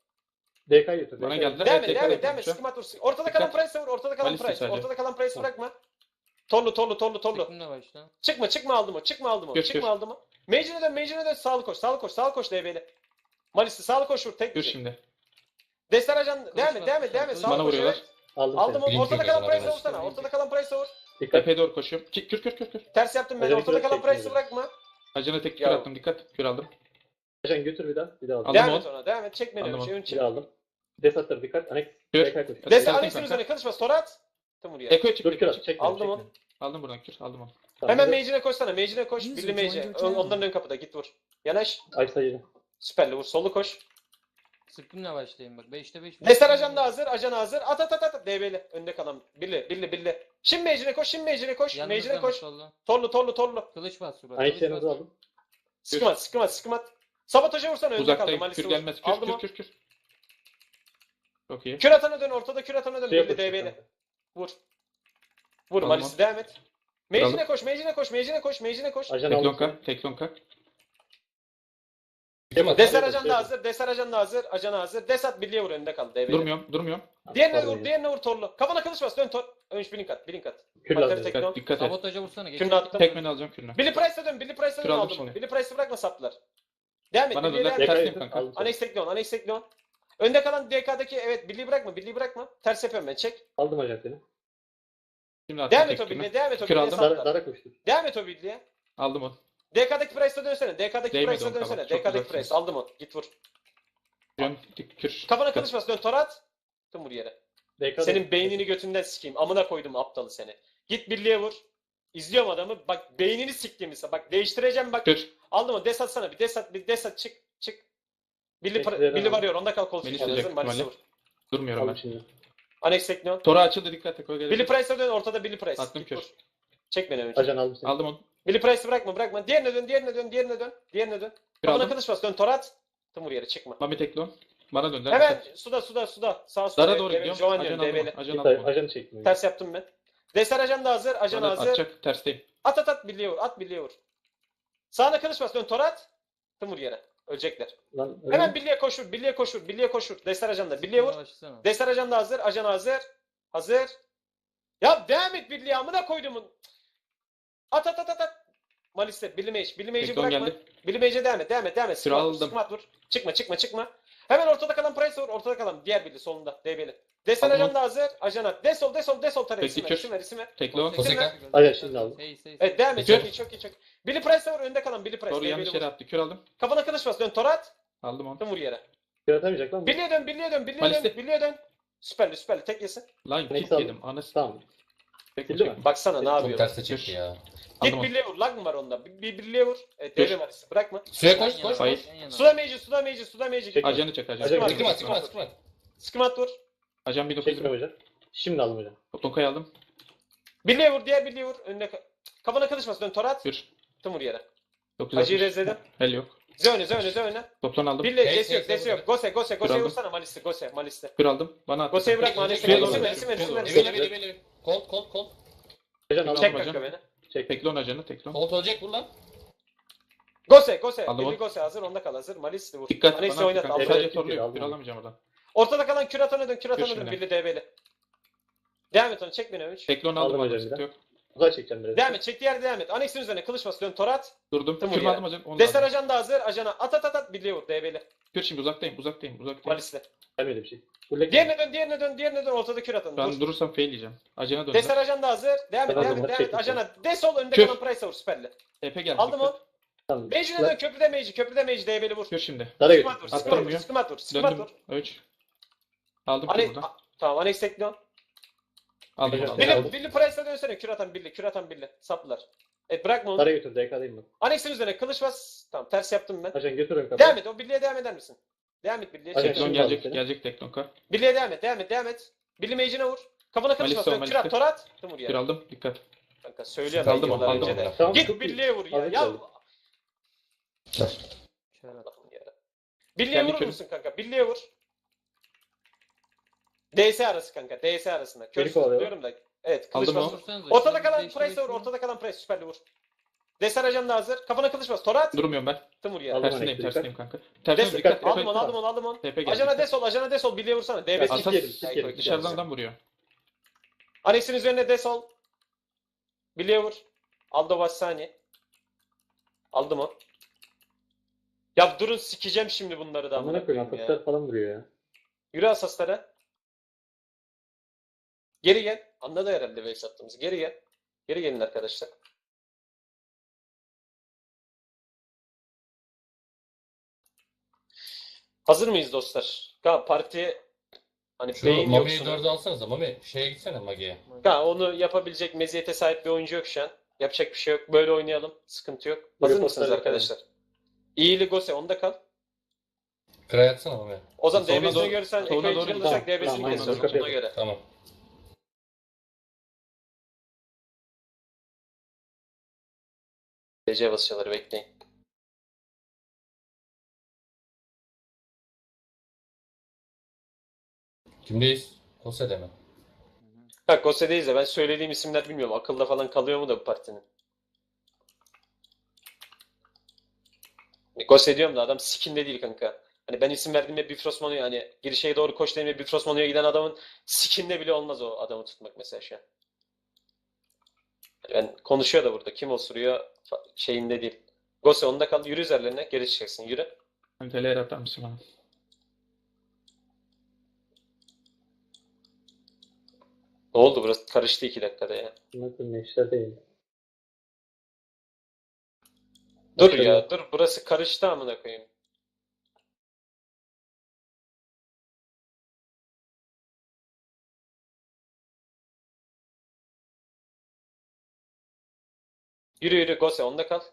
Speaker 4: D K'yı götür.
Speaker 2: Bana
Speaker 4: D K'yı.
Speaker 2: geldiler.
Speaker 1: Devam
Speaker 2: Evet,
Speaker 1: et, devam
Speaker 2: tekrar
Speaker 1: et, devam et.
Speaker 2: yapıyorum
Speaker 1: Sıkımat vur. Ortada kalan
Speaker 2: Dikkat.
Speaker 1: Price'e vur, ortada kalan
Speaker 2: Malis'te
Speaker 1: Price.
Speaker 2: sadece.
Speaker 1: Ortada kalan Price'ı
Speaker 4: Tamam.
Speaker 1: bırakma. Torlu, torlu, torlu, torlu.
Speaker 3: Sıktım da başla.
Speaker 1: Çıkma, çıkma aldım o, çıkma aldım o,
Speaker 2: Gör,
Speaker 1: çıkma
Speaker 2: gör.
Speaker 1: aldım o. Mage'ine dön, Mage'ine dön, sağlı koş, sağlı koş, sağlı koş D B'li. Malis'i sağlı koş vur, tek
Speaker 2: Kür
Speaker 1: bir.
Speaker 2: şimdi.
Speaker 1: Destar ajan, devam et,
Speaker 3: bas,
Speaker 1: devam et, devam et,
Speaker 3: kılıç
Speaker 1: sağlı
Speaker 2: Bana
Speaker 1: koş,
Speaker 2: vuruyorlar.
Speaker 1: evet.
Speaker 4: Aldım
Speaker 1: Aldım
Speaker 4: seni.
Speaker 1: onu, ortada kalan
Speaker 5: Link yok
Speaker 1: Price'e
Speaker 5: o
Speaker 1: vursana,
Speaker 3: zaman.
Speaker 1: ortada kalan Price'e vur.
Speaker 4: Dikkat.
Speaker 2: Tepeye doğru koşuyorum. Ki- Kür kür kür kür.
Speaker 1: Ters yaptım ben,
Speaker 4: Ajanı
Speaker 1: ortada
Speaker 4: kür
Speaker 1: kalan
Speaker 4: çektim
Speaker 1: Price'ı
Speaker 4: bir de.
Speaker 1: bırakma.
Speaker 2: Acına tek kür
Speaker 1: Ya.
Speaker 2: attım. Dikkat. Kür aldım.
Speaker 4: Ajan götür bir daha. Bir daha aldım.
Speaker 2: Aldım
Speaker 1: Devam
Speaker 2: on.
Speaker 1: et ona, devam et, çek beni,
Speaker 2: Aldım
Speaker 1: önce,
Speaker 2: on.
Speaker 1: ön
Speaker 4: Bir
Speaker 1: çek.
Speaker 4: daha aldım. Desatlar dikkat. Anex.
Speaker 2: Kür.
Speaker 4: D K koş.
Speaker 1: Destar
Speaker 2: Destek
Speaker 1: Anex'in
Speaker 2: kanka.
Speaker 1: üzerine kılıçmaz, Torat. Tım vur yere.
Speaker 2: Eko'ya çık.
Speaker 4: Dur kür
Speaker 2: Eko'ya
Speaker 4: at.
Speaker 2: çık.
Speaker 4: Çekme.
Speaker 1: Aldım
Speaker 4: çekme.
Speaker 1: onu.
Speaker 2: Aldım buradan kür. Aldım onu.
Speaker 4: Tamam,
Speaker 1: Hemen
Speaker 4: bir de
Speaker 1: Mage'ine koşsana, Mage'ine koş, Billy Mage'e. Ön- Onların ön kapıda, git vur. Yanaş,
Speaker 4: Ay sayılı.
Speaker 1: süperli vur, solu koş.
Speaker 3: Sıktımla başlayayım bak. beşte beş.
Speaker 1: Destar ajan da hazır, ajan hazır. At at at at. D B'li. Önde kalan. Billi, billi, billi. Şimdi Mage'ine koş, şimdi Mage'ine koş. Mage'ine koş. Torlu, torlu, torlu.
Speaker 3: Kılıç bas surat.
Speaker 4: Ay
Speaker 3: Kılıç
Speaker 4: sayınızı
Speaker 3: bas.
Speaker 4: aldım.
Speaker 1: Sıkımat, sıkımat, sıkımat. Sabotaja vursana, önde kaldı.
Speaker 2: Uzaktayım.
Speaker 1: Malis'i
Speaker 2: Kür
Speaker 1: vur.
Speaker 2: gelmez. Kür
Speaker 1: Aldım
Speaker 2: kür
Speaker 1: o.
Speaker 2: kür kür. Çok iyi.
Speaker 1: Kür atana dön, ortada kür atana dön.
Speaker 4: Suya
Speaker 1: Billi
Speaker 4: koş.
Speaker 1: D B'li. Vur. Vur,
Speaker 2: Aldım
Speaker 1: Malis'i
Speaker 2: o.
Speaker 1: devam et.
Speaker 2: Aldım.
Speaker 1: Mage'ine koş, Mage'ine koş, Mage'ine koş, Mage'ine koş.
Speaker 4: Ajan aldım.
Speaker 2: Teklonka. Teklonka.
Speaker 1: Destar ajan da hazır, Destar ajan da hazır, ajan hazır. Desat birliğe vur, önde kaldı. D B'li.
Speaker 2: Durmuyorum. Durmuyorum.
Speaker 1: Diğerine
Speaker 4: Pardon
Speaker 1: vur,
Speaker 4: ya.
Speaker 1: diğerine vur torlu. Kafana kılıç bas, dön tor. Önç blink at, blink at.
Speaker 4: Kür
Speaker 1: Pantera
Speaker 4: lazım.
Speaker 1: tek-
Speaker 2: Dikkat. Dikkat et.
Speaker 3: Sabotaja vursana.
Speaker 1: Kürünü
Speaker 3: Geçen
Speaker 1: attım.
Speaker 2: Tekmeni alacağım kürünü.
Speaker 1: Billy Price'a dön, Billy Price'a dön
Speaker 2: Kür aldım
Speaker 1: aldım onu.
Speaker 2: şimdi.
Speaker 1: Billy Price'ı bırakma saplar. Devam et,
Speaker 2: Bana
Speaker 1: Billy'e
Speaker 2: döndüler.
Speaker 1: devam et.
Speaker 2: Tersiyim
Speaker 4: Tekrar
Speaker 2: kanka.
Speaker 4: aldım seni.
Speaker 1: Anex Tekleon, Anex Tekleon. Önde kalan D K'daki evet Billy'yi bırakma, Billy'yi bırakma. Ters yapıyorum ben, çek.
Speaker 4: Aldım ajan seni.
Speaker 2: Şimdi attım
Speaker 1: Devam et o
Speaker 2: tek kürünü.
Speaker 1: Billy'ye, devam et o
Speaker 2: Kür
Speaker 1: Billy'ye
Speaker 2: aldım.
Speaker 4: Dara,
Speaker 1: saplar.
Speaker 4: dara koştur.
Speaker 1: Devam et o Billy'ye.
Speaker 2: Aldım onu.
Speaker 1: D K'daki Price'a dönsene, D K'daki
Speaker 2: Değmedi
Speaker 1: Price'a
Speaker 2: o
Speaker 1: dönsene.
Speaker 2: kadar,
Speaker 1: D
Speaker 2: çok
Speaker 1: K'daki
Speaker 2: uzaksınız.
Speaker 1: Price, aldım onu. Git vur.
Speaker 2: Kürün. Dik- Kür.
Speaker 1: Kafana
Speaker 2: Dikkat.
Speaker 1: kılıç bas, dön torat. Tüm vur yere.
Speaker 4: D K'da
Speaker 1: Senin beynini götünden sikeyim. Amına koydum aptalı seni. Git birliğe vur. İzliyorum adamı. Bak beynini siktiğimizse. Bak değiştireceğim bak.
Speaker 2: Kür.
Speaker 1: Aldım o. Des atsana bir. Des at. Bir des at. Çık. Çık. Billy,
Speaker 4: Bekleyelim
Speaker 1: Billy
Speaker 4: abi.
Speaker 1: varıyor. Onda kal kol
Speaker 2: Beni
Speaker 1: tutuşu.
Speaker 2: silecek
Speaker 1: Hazır. Malisi
Speaker 2: ihtimalle.
Speaker 1: vur.
Speaker 2: Durmuyorum
Speaker 4: aldım
Speaker 2: ben.
Speaker 4: şimdi.
Speaker 1: Anex Tekno.
Speaker 2: Tora açıldı. Dikkat et. O gelecek.
Speaker 1: Billy Price'a dön. Ortada Billy Price.
Speaker 2: Attım
Speaker 1: Git
Speaker 2: kür.
Speaker 1: vur. Çek beni önce.
Speaker 4: Ajan aldım seni.
Speaker 2: Aldım onu.
Speaker 1: Billy Price'ı bırakma bırakma. Diğerine dön. Diğerine dön. Diğerine dön. Diğerine dön.
Speaker 2: Kür
Speaker 1: Kafana
Speaker 2: aldım.
Speaker 1: kılıç bas. Dön torat. Tüm vur yere. Çıkma.
Speaker 2: Mami Teklon. Bana döndüler.
Speaker 1: Hemen
Speaker 2: Dikkat.
Speaker 1: suda suda suda. Sağ suda.
Speaker 2: Dara doğru
Speaker 1: Develi,
Speaker 2: gidiyorum.
Speaker 1: Jovan
Speaker 2: Ajan
Speaker 1: diyorum.
Speaker 2: aldım
Speaker 1: Develi.
Speaker 2: onu. Ajan
Speaker 4: Git
Speaker 2: aldım onu.
Speaker 4: ajanı çekmiyor.
Speaker 1: Ters yaptım ben. Destar ajan da hazır. Ajan
Speaker 2: Bana
Speaker 1: hazır.
Speaker 2: atacak. Tersteyim.
Speaker 1: At at at birliğe vur. At birliğe vur. Sağına kılıç bas. Dön torat. Tım vur yere. Ölecekler.
Speaker 4: Lan öyle
Speaker 1: Hemen
Speaker 4: mi?
Speaker 1: birliğe koşur. Birliğe koşur. Birliğe koşur. Destar ajanda. Birliğe vur.
Speaker 3: Yavaşlasana.
Speaker 1: Destar ajanda hazır. Ajan hazır. Hazır. Ya devam et birliğe. Amına koydumun. At at at at at. Malis'te. Billy Mage. Billy Mage'i
Speaker 2: Tekton
Speaker 1: bırakma.
Speaker 2: geldi.
Speaker 1: Billy Mage'e devam et. Devam et. Devam et.
Speaker 2: Süre
Speaker 1: Sıkma, vur,
Speaker 2: aldım.
Speaker 1: sıkma, vur. Çıkma çıkma çıkma. Hemen ortada kalan Price vur. Ortada kalan diğer Billy solunda. D B'li. Destar
Speaker 2: Aldım.
Speaker 1: ajanda hazır. Ajana. Desol desol desol tara.
Speaker 2: Peki,
Speaker 1: İsim ver.
Speaker 2: kür.
Speaker 1: İsim ver. İsim ver.
Speaker 2: Teklo.
Speaker 1: İsim ver.
Speaker 4: Aynen, şimdi aldım.
Speaker 3: Hey, hey,
Speaker 1: Evet devam et.
Speaker 2: Kür.
Speaker 1: Çok iyi çok iyi çok iyi. Billy Price'e vur. Önde kalan Billy Price.
Speaker 2: Doğru
Speaker 1: D B'li
Speaker 2: yanlış
Speaker 1: vur.
Speaker 2: yere attı. Kür aldım.
Speaker 1: Kafana kılıç bas. Dön torat.
Speaker 2: Aldım onu.
Speaker 1: Tım vur yere.
Speaker 4: Yaratamayacak lan bu.
Speaker 1: Billy'e dön. Billy'e dön. Billy'e
Speaker 2: Malis'te.
Speaker 1: dön. Billy'e dön. Süperli süperli. Tek yesin.
Speaker 2: Lan
Speaker 4: Neyse,
Speaker 2: kit
Speaker 4: aldım.
Speaker 2: yedim. Anası.
Speaker 4: Tamam.
Speaker 2: Teklo
Speaker 4: Bildi mi?
Speaker 2: çek.
Speaker 1: Baksana ne
Speaker 7: Çok
Speaker 1: yapıyor.
Speaker 7: terse çıktı ya.
Speaker 1: Git
Speaker 2: Aldım onu.
Speaker 1: birliğe vur. Lag mı var onda? Bir, bir birliğe vur. Evet
Speaker 2: Dur.
Speaker 1: devre marisi. Bırakma.
Speaker 7: Suya koş koş
Speaker 2: Hayır.
Speaker 7: koş.
Speaker 1: Suda meci, suda meci, suda meci.
Speaker 4: Çek.
Speaker 2: Ajanı çek ajanı.
Speaker 4: Ajan-
Speaker 7: Sıkma sıkma sıkma.
Speaker 1: Sıkımat vur.
Speaker 2: Ajan bin dokuz
Speaker 4: Çekme
Speaker 2: yüz.
Speaker 4: hocam. Şimdi aldım hocam.
Speaker 2: Tokayı aldım.
Speaker 1: Birliğe vur, diğer birliğe vur. Önüne ka- kafana kılıçmasın. Dön torat.
Speaker 2: Kür.
Speaker 1: Tım vur yere.
Speaker 2: dokuz
Speaker 1: Hacı'yı
Speaker 2: altmış.
Speaker 1: rezledim.
Speaker 2: Hel yok.
Speaker 1: Zöne, zöne, zöne.
Speaker 2: Toplan aldım.
Speaker 1: Birliğe,
Speaker 7: Hey,
Speaker 1: desi
Speaker 7: hey,
Speaker 1: yok, desi
Speaker 7: hey,
Speaker 1: yok. Gose, gose, Gose'yi
Speaker 2: Aldım.
Speaker 1: vursana. Malisti, Gose, Malisti.
Speaker 2: Kür aldım. Bana at.
Speaker 1: Gose'yi bırakma. Anesi
Speaker 2: Suya
Speaker 1: ver,
Speaker 2: doğru.
Speaker 1: isim ver, isim ver, isim ver.
Speaker 7: Eveli
Speaker 1: isim ver.
Speaker 7: eveli eveli. Kolt kolt kolt.
Speaker 4: Hocam
Speaker 2: Tamam,
Speaker 4: aldım.
Speaker 1: Çek
Speaker 2: hocam.
Speaker 1: kanka beni.
Speaker 4: Çek.
Speaker 2: Teklon ajanı teklon.
Speaker 7: Kolt olacak vur lan.
Speaker 1: Gose, Gose.
Speaker 2: Aldım
Speaker 1: Birliği
Speaker 2: onu.
Speaker 1: Gose hazır. Onda kal hazır. Malisti vur.
Speaker 2: Dikkat
Speaker 1: Anesi
Speaker 2: bana
Speaker 1: oynat.
Speaker 2: kanka.
Speaker 1: Al.
Speaker 4: Evet.
Speaker 2: Sadece
Speaker 4: Evet,
Speaker 2: torlu yok.
Speaker 4: aldım
Speaker 2: Kür
Speaker 4: onu.
Speaker 2: alamayacağım oradan.
Speaker 1: Ortada kalan küratana dön. Küratana
Speaker 2: Kür
Speaker 1: dön.
Speaker 2: şimdi.
Speaker 1: Birliği D B'li. Devam et onu. Çek beni üç.
Speaker 2: Teklon
Speaker 4: Aldım
Speaker 2: aldım
Speaker 4: hocam
Speaker 2: hocam.
Speaker 4: bir
Speaker 2: Sıkıntı
Speaker 4: de.
Speaker 2: yok.
Speaker 4: Uzay çekeceğim biraz.
Speaker 1: Devam et. Çektiği yerde devam et. Anex'in üzerine kılıç bas. Dön torat.
Speaker 2: Durdum.
Speaker 1: Tım
Speaker 2: Kür
Speaker 1: vuruyor.
Speaker 2: aldım hocam. Onu
Speaker 1: Destar
Speaker 2: aldım.
Speaker 1: ajan da hazır. Ajana at at at at. Birliğe vur. D B'li.
Speaker 2: Kür şimdi uzaktayım. Uzaktayım. Uzaktayım.
Speaker 1: Malisti.
Speaker 4: Gelmedi bir şey. Bullek.
Speaker 1: Diğerine dön, diğerine dön, diğerine dön. Ortada kür atın.
Speaker 2: Ben
Speaker 1: Dur.
Speaker 2: durursam fail yiyeceğim. Ajana döndüm.
Speaker 1: Destar ajan da hazır. Devam et,
Speaker 4: Ben
Speaker 1: devam
Speaker 4: aldım,
Speaker 1: et, devam et.
Speaker 4: çektim
Speaker 1: Ajana desol önde
Speaker 2: Kür.
Speaker 1: kalan Price'a vur süperli.
Speaker 2: E P geldi.
Speaker 1: Aldım
Speaker 2: dikkat.
Speaker 1: onu.
Speaker 4: Tamam.
Speaker 1: Mage'ine dön, köprüde Mage, köprüde Mage D B'li vur.
Speaker 2: Kür şimdi.
Speaker 4: Dara
Speaker 1: Sıkmat vur,
Speaker 4: götür.
Speaker 1: sıkmat vur,
Speaker 2: Attırmıyor.
Speaker 1: sıkmat vur, sıkmat
Speaker 2: Döndüm.
Speaker 1: vur.
Speaker 2: üç. Aldım
Speaker 1: Hani,
Speaker 2: kür buradan.
Speaker 1: a- tamam, Anex tekliyor.
Speaker 2: Aldım
Speaker 4: Billy-
Speaker 2: onu.
Speaker 1: Billy,
Speaker 4: aldım.
Speaker 1: Billy Price'a dönsene, kür atan Billy, kür atan Billy. Saplılar. Evet bırakma onu.
Speaker 4: Dara götür. D K'dayım ben.
Speaker 1: Anex'in üzerine kılıç bas. Tamam, ters yaptım ben.
Speaker 4: Ajan götür ön kapıyı.
Speaker 1: Devam et, o Billy'e devam eder misin? Devam et Billy'e.
Speaker 4: Ajan
Speaker 1: Çek.
Speaker 2: Teklon
Speaker 4: şimdi
Speaker 2: gelecek.
Speaker 4: aldım seni.
Speaker 2: Gelecek Teklon kar.
Speaker 1: Billy'e devam et, devam et, devam et. Billy Mage'ine vur. Kafana kılıç
Speaker 2: Malisi
Speaker 1: bas,
Speaker 2: o,
Speaker 1: dön, kür at,
Speaker 2: Malisi.
Speaker 1: torat. Tım vur
Speaker 2: Kür
Speaker 1: yani.
Speaker 2: aldım. Dikkat.
Speaker 1: Kanka söylüyorum
Speaker 2: Aldım,
Speaker 1: ben yıllar
Speaker 2: aldım,
Speaker 1: önce de.
Speaker 2: aldım.
Speaker 4: Tamam,
Speaker 1: Git
Speaker 4: çok iyi.
Speaker 1: Billy'e vur ya.
Speaker 4: Aldım,
Speaker 1: Ya
Speaker 4: aldım.
Speaker 6: Kör.
Speaker 1: Allah'ım ya. Billy'e
Speaker 2: Kendi
Speaker 1: vurur
Speaker 2: körüm.
Speaker 1: musun kanka? Billy'e vur. D S arası kanka. D S arasında. Kör
Speaker 4: Beni kovalıyor.
Speaker 1: diyorum da. Evet kılıç
Speaker 2: Aldım
Speaker 1: bas.
Speaker 2: o.
Speaker 3: Vursanıza,
Speaker 1: Ortada
Speaker 3: şunu
Speaker 1: kalan
Speaker 3: değiştirmek
Speaker 1: Price'e vur.
Speaker 3: için.
Speaker 1: Ortada kalan Price süperli vur. Destar ajan da hazır. Kafana kılıç bas. Torat.
Speaker 2: Durmuyorum ben.
Speaker 1: Tım vur ya.
Speaker 4: Aldım.
Speaker 2: Tersindeyim.
Speaker 4: Aldım,
Speaker 2: Tersindeyim kanka.
Speaker 1: Des
Speaker 2: Tersine dikkat.
Speaker 1: aldım
Speaker 2: Tepe-
Speaker 1: onu aldım onu aldım onu.
Speaker 2: Tepe geldi.
Speaker 1: Ajana
Speaker 2: dikkat.
Speaker 1: desol ajana desol Billy'e vursana. D
Speaker 4: Ya,
Speaker 1: B
Speaker 4: Asas-
Speaker 1: S.
Speaker 4: yedim, sik yedim.
Speaker 2: Dışarıdan vuruyor.
Speaker 1: Anex'in üzerine desol. Billy'e vur. Aldo Vassani. Aldım o. Ya durun sikeceğim şimdi bunları da.
Speaker 4: Amına
Speaker 1: amına
Speaker 4: koyayım.
Speaker 1: koyayım ya.
Speaker 4: Asaslar falan vuruyor ya.
Speaker 1: Yürü asaslara. Geri gel. Anladı herhalde base attığımızı. Geri gel. Geri gelin arkadaşlar. Hazır mıyız dostlar? Ka parti hani
Speaker 7: Şu
Speaker 1: beyin
Speaker 7: Mami'yi
Speaker 1: yoksun.
Speaker 7: dörde alsanıza. Mami şeye gitsene Magi'ye.
Speaker 1: Ka onu yapabilecek meziyete sahip bir oyuncu yok şu an. Yapacak bir şey yok. Böyle oynayalım. Sıkıntı yok. Hazır
Speaker 4: Böyle
Speaker 1: mısınız
Speaker 4: postlar
Speaker 1: arkadaşlar? İyili Gose onda kal.
Speaker 7: Kıra yatsana Mami.
Speaker 1: O zaman
Speaker 2: Sonra
Speaker 1: D B'sini
Speaker 2: doğru-
Speaker 1: görürsen
Speaker 2: sonra
Speaker 1: ekran
Speaker 2: doğru
Speaker 1: içine
Speaker 2: git.
Speaker 1: alırsak
Speaker 4: Tamam,
Speaker 1: D B'sini
Speaker 4: tamam,
Speaker 1: kesiyoruz
Speaker 4: tamam.
Speaker 1: ona göre.
Speaker 7: Tamam.
Speaker 1: D C basıyorlar bekleyin.
Speaker 7: Kimdeyiz? Kose'de mi?
Speaker 1: Ha Gose'deyiz de ben söylediğim isimler bilmiyorum. Akılda falan kalıyor mu da bu partinin. Gose diyorum da adam skinde değil kanka. Hani ben isim verdiğimde Bifrost Mono'ya hani girişe doğru koş dediğimde Bifrost Mono'ya giden adamın skinde bile olmaz o adamı tutmak mesela şu an. Yani ben konuşuyor da burada. Kim osuruyor fa- şeyinde değil. Gose onda kal. Yürü üzerlerine. Geri çıkacaksın. Yürü.
Speaker 2: Kanka L R atar mısın bana?
Speaker 1: Ne oldu burası? Karıştı iki dakikada ya.
Speaker 4: Amına koyayım. Neşter değil.
Speaker 1: Dur
Speaker 4: Başladı.
Speaker 1: ya. Dur. Burası karıştı amına koyayım. Yürü yürü Gose onda kal.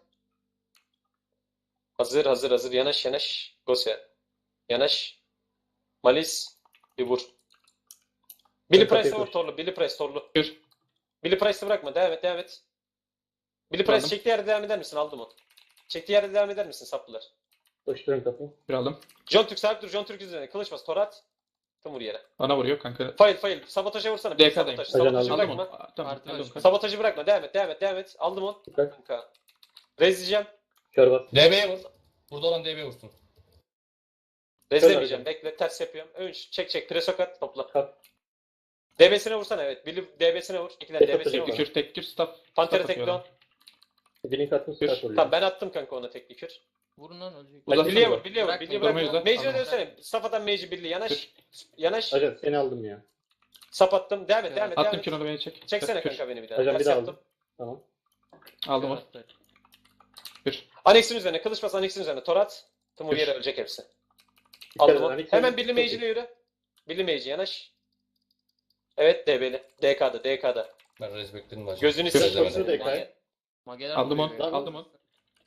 Speaker 1: Hazır hazır hazır yanaş yanaş. Gose. Yanaş. Malis. Bir vur. Billy
Speaker 4: Ben kapıyı
Speaker 1: Price'e vur
Speaker 4: koş.
Speaker 1: torlu. Billy Price torlu.
Speaker 2: Kür.
Speaker 1: Billy Price'ı bırakma. Devam et devam et. Billy Price
Speaker 2: Aldım.
Speaker 1: çektiği yerde devam eder misin? Aldım onu. Çektiği yerde devam eder misin saplılar?
Speaker 4: Koştur ön kapıyı.
Speaker 2: Kür aldım.
Speaker 1: John Türk sabit dur. John Türk üzerine. Kılıç bas. Torat. Tım vur yere.
Speaker 2: Bana vuruyor kanka.
Speaker 1: Fail fail. Sabotaja vursana.
Speaker 2: D K'dayım.
Speaker 1: Sabotaj.
Speaker 4: Ajan
Speaker 1: Sabotajı
Speaker 4: aldım.
Speaker 2: Aldım
Speaker 1: bırakma.
Speaker 2: onu. Aa, Tamam
Speaker 3: Parti
Speaker 2: aldım
Speaker 3: başı.
Speaker 2: kanka.
Speaker 1: Sabotajı bırakma. Devam et devam et devam et. Aldım onu.
Speaker 4: Dikkat.
Speaker 1: Kanka. Rezleyeceğim.
Speaker 4: Kör bas.
Speaker 7: D B'ye vur. Burada olan D B'ye vursun.
Speaker 1: Rezlemeyeceğim. Bekle ters yapıyorum. Ön çek çek. Presokat topla.
Speaker 4: Kap.
Speaker 1: D B'sine vursana evet. Billy D B'sine vur. İkiler
Speaker 4: Tek
Speaker 1: D B'sine
Speaker 4: atacak.
Speaker 1: vur.
Speaker 2: Tek kür, tek kür, staff.
Speaker 1: Pantera
Speaker 2: staff
Speaker 1: tekli on.
Speaker 2: atıyorum.
Speaker 4: Blink attım
Speaker 2: Kür.
Speaker 4: start oluyor.
Speaker 1: Tamam ben attım kanka ona tekli kür.
Speaker 3: Vurun lan ölecek.
Speaker 1: Bak
Speaker 2: Uzatsana
Speaker 1: Billy'ye
Speaker 2: bak.
Speaker 1: vur. Billy'ye vur.
Speaker 3: Bırak,
Speaker 1: Billy'ye
Speaker 2: durmayı
Speaker 1: bırak.
Speaker 2: uzat.
Speaker 1: Mage'e
Speaker 2: Tamam.
Speaker 1: dönsene. Safadan Mage'i Billy. Yanaş.
Speaker 2: Kür.
Speaker 1: Yanaş.
Speaker 4: Ajan seni aldım ya.
Speaker 1: Sap attım. Devam et. Devam et. Devam
Speaker 2: Attım
Speaker 1: et.
Speaker 2: kürünü beni çek.
Speaker 1: Çeksene
Speaker 2: Kür.
Speaker 1: kanka beni bir daha.
Speaker 4: Ajan bir
Speaker 1: Ters
Speaker 4: daha
Speaker 1: yaptım.
Speaker 4: aldım. Tamam.
Speaker 2: Aldım onu. Kür.
Speaker 1: Annex'in üzerine. Kılıç bas Annex'in üzerine. Torat. Timur yere ölecek hepsi.
Speaker 4: Bir
Speaker 1: Aldım
Speaker 4: kere
Speaker 1: onu.
Speaker 4: Onyx
Speaker 1: Hemen
Speaker 4: oynadı,
Speaker 1: Billy
Speaker 4: çok
Speaker 1: Mage'ine
Speaker 4: iyi.
Speaker 1: yürü. Billy Mage'i yanaş. Evet D B'li. D K'da. D K'da.
Speaker 7: Ben res bekledim hocam.
Speaker 1: Gözünü
Speaker 7: Res
Speaker 1: seveyim.
Speaker 7: demedim.
Speaker 4: Şurada Ekay.
Speaker 3: Mage- Mageler
Speaker 2: Aldım
Speaker 3: vuruyor.
Speaker 2: onu. Aldım onu.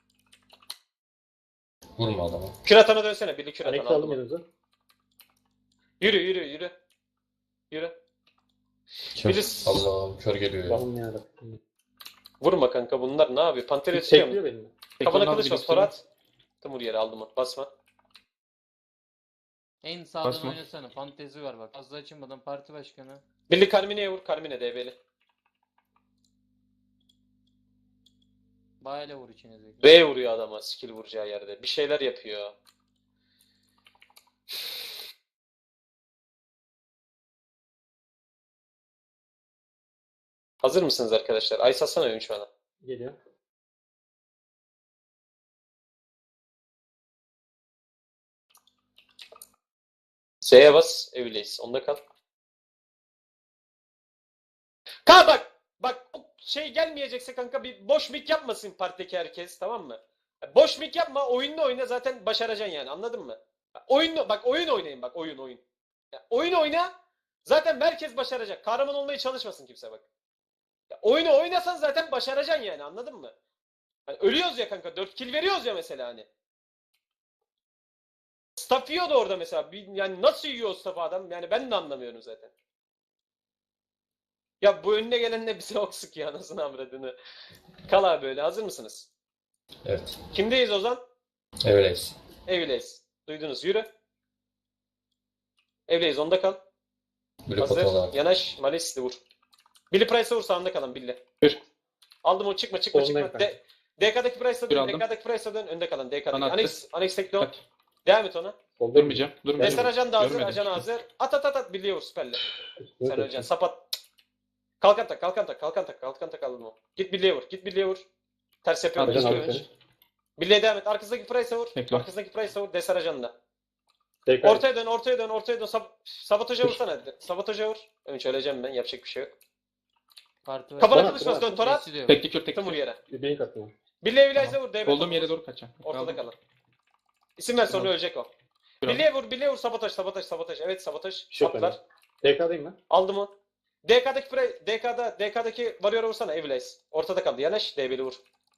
Speaker 7: Vurma adama.
Speaker 1: Kür atana dönsene. Billy kür
Speaker 4: Onyx
Speaker 1: atana
Speaker 4: aldım
Speaker 1: aldım. onu.
Speaker 4: yanınıza.
Speaker 1: Yürü yürü yürü. Yürü.
Speaker 6: Kör.
Speaker 1: Biri
Speaker 7: Allah'ım kör geliyor ya.
Speaker 4: Allah'ım yarabbim.
Speaker 1: vurma kanka bunlar ne yapıyor? Pantera tutuyor mu?
Speaker 4: Çekliyor beni.
Speaker 1: Kafana
Speaker 2: Tekli
Speaker 1: kılıç
Speaker 2: onu
Speaker 1: bas. Torat. Timur yere aldım onu. Basma.
Speaker 3: En sağdan
Speaker 2: Basma.
Speaker 3: oynasana. Fantezi var bak. Fazla açılmadan parti başkanı.
Speaker 1: Billy Carmine'ye vur. Carmine D B'li.
Speaker 3: Bayla vur içine.
Speaker 1: B vuruyor adama skill vuracağı yerde. Bir şeyler yapıyor. Hazır mısınız arkadaşlar? Ay satsana oyun şu an.
Speaker 4: Geliyor.
Speaker 1: Z'ye bas. Evliyiz. Onda kal. Ka bak. Bak o şey gelmeyecekse kanka bir boş mik yapmasın partideki herkes. Tamam mı? Boş mik yapma. Oyununu oyna zaten başaracaksın yani. Anladın mı? Oyun bak oyun oynayın bak. Oyun oyun. Ya, oyun oyna. Zaten merkez başaracak. Kahraman olmaya çalışmasın kimse bak. Ya, oyunu oynasan zaten başaracaksın yani. Anladın mı? Hani ölüyoruz ya kanka. dört kill veriyoruz ya mesela hani. Staff yiyordu orada mesela. Bir- Yani nasıl yiyor o staff adam? Yani ben de anlamıyorum zaten. Ya bu önüne gelen de bize ok sıkıyor anasını avradını. Kal abi böyle. Hazır mısınız?
Speaker 7: Evet.
Speaker 1: Kimdeyiz Ozan?
Speaker 7: Öyleyiz.
Speaker 1: Evleyiz. Duydunuz. Yürü. Evleyiz. Onda kal.
Speaker 7: Blue
Speaker 1: Hazır.
Speaker 7: potalar.
Speaker 1: Yanaş. Malisli vur. Billy Price'a vur sağında kalan Billy.
Speaker 2: Kür.
Speaker 1: Aldım onu çıkma çıkma
Speaker 4: Solundayım
Speaker 1: çıkma.
Speaker 4: kanka.
Speaker 1: De, D K'daki Price'a
Speaker 2: Bir
Speaker 1: dön.
Speaker 2: aldım.
Speaker 1: D K'daki Price'a dön. Önde kalan D K'daki.
Speaker 2: Bana attı.
Speaker 1: Annex, Annex tek dön.
Speaker 2: At.
Speaker 1: Devam et ona.
Speaker 4: Solda
Speaker 2: Durmayacağım. Durmayacağım.
Speaker 1: Destan ajan da hazır.
Speaker 2: Görmedim.
Speaker 1: Ajan hazır. At at at at. Billy'ye vur süperle.
Speaker 4: Üstüne
Speaker 1: Sen
Speaker 4: koş.
Speaker 1: öleceksin. Sapat. Kalkan tak, kalkan tak, kalkan tak, kalkan tak aldım o. Git birliğe vur, git birliğe vur. Ters yapıyorum.
Speaker 2: Ajan
Speaker 1: Ajan
Speaker 4: aldı
Speaker 1: önce.
Speaker 4: seni.
Speaker 1: Birliğe devam et. Arkasındaki Price'a vur.
Speaker 2: Bekle.
Speaker 1: Arkasındaki Price'a vur. Desar ajanında.
Speaker 4: Tekrar.
Speaker 1: Ortaya dön, ortaya dön, ortaya dön. Sab sabotaja vursana hadi. Sabotaja vur. Önce öleceğim ben. Yapacak bir şey yok.
Speaker 3: Parti var.
Speaker 1: Kafana
Speaker 4: Bana-
Speaker 1: kılıç bas,
Speaker 4: bana-
Speaker 1: dön Torat.
Speaker 3: Nesi de yok.
Speaker 2: Tekli kür, tekli
Speaker 1: Tımur
Speaker 2: kür.
Speaker 1: yere.
Speaker 4: Bir blink attım.
Speaker 1: Birliğe Eviliz'e vur. D B
Speaker 2: Olduğum
Speaker 1: topu
Speaker 2: yere
Speaker 1: vur.
Speaker 2: doğru kaçacağım.
Speaker 1: Ortada
Speaker 2: Aldım.
Speaker 1: kalın. İsim ver sonra
Speaker 2: Tamam.
Speaker 1: ölecek o.
Speaker 2: Kür aldım.
Speaker 1: Birliğe vur, birliğe vur. Sabotaj, sabotaj, sabotaj. Evet sabotaj.
Speaker 4: Şok
Speaker 1: Saplar.
Speaker 4: T K'dayım ben.
Speaker 1: Aldım o. D K'daki pre, D K'da D K'daki Warrior'a vursana Eviliz. Ortada kaldı. Yanaş D B'li vur.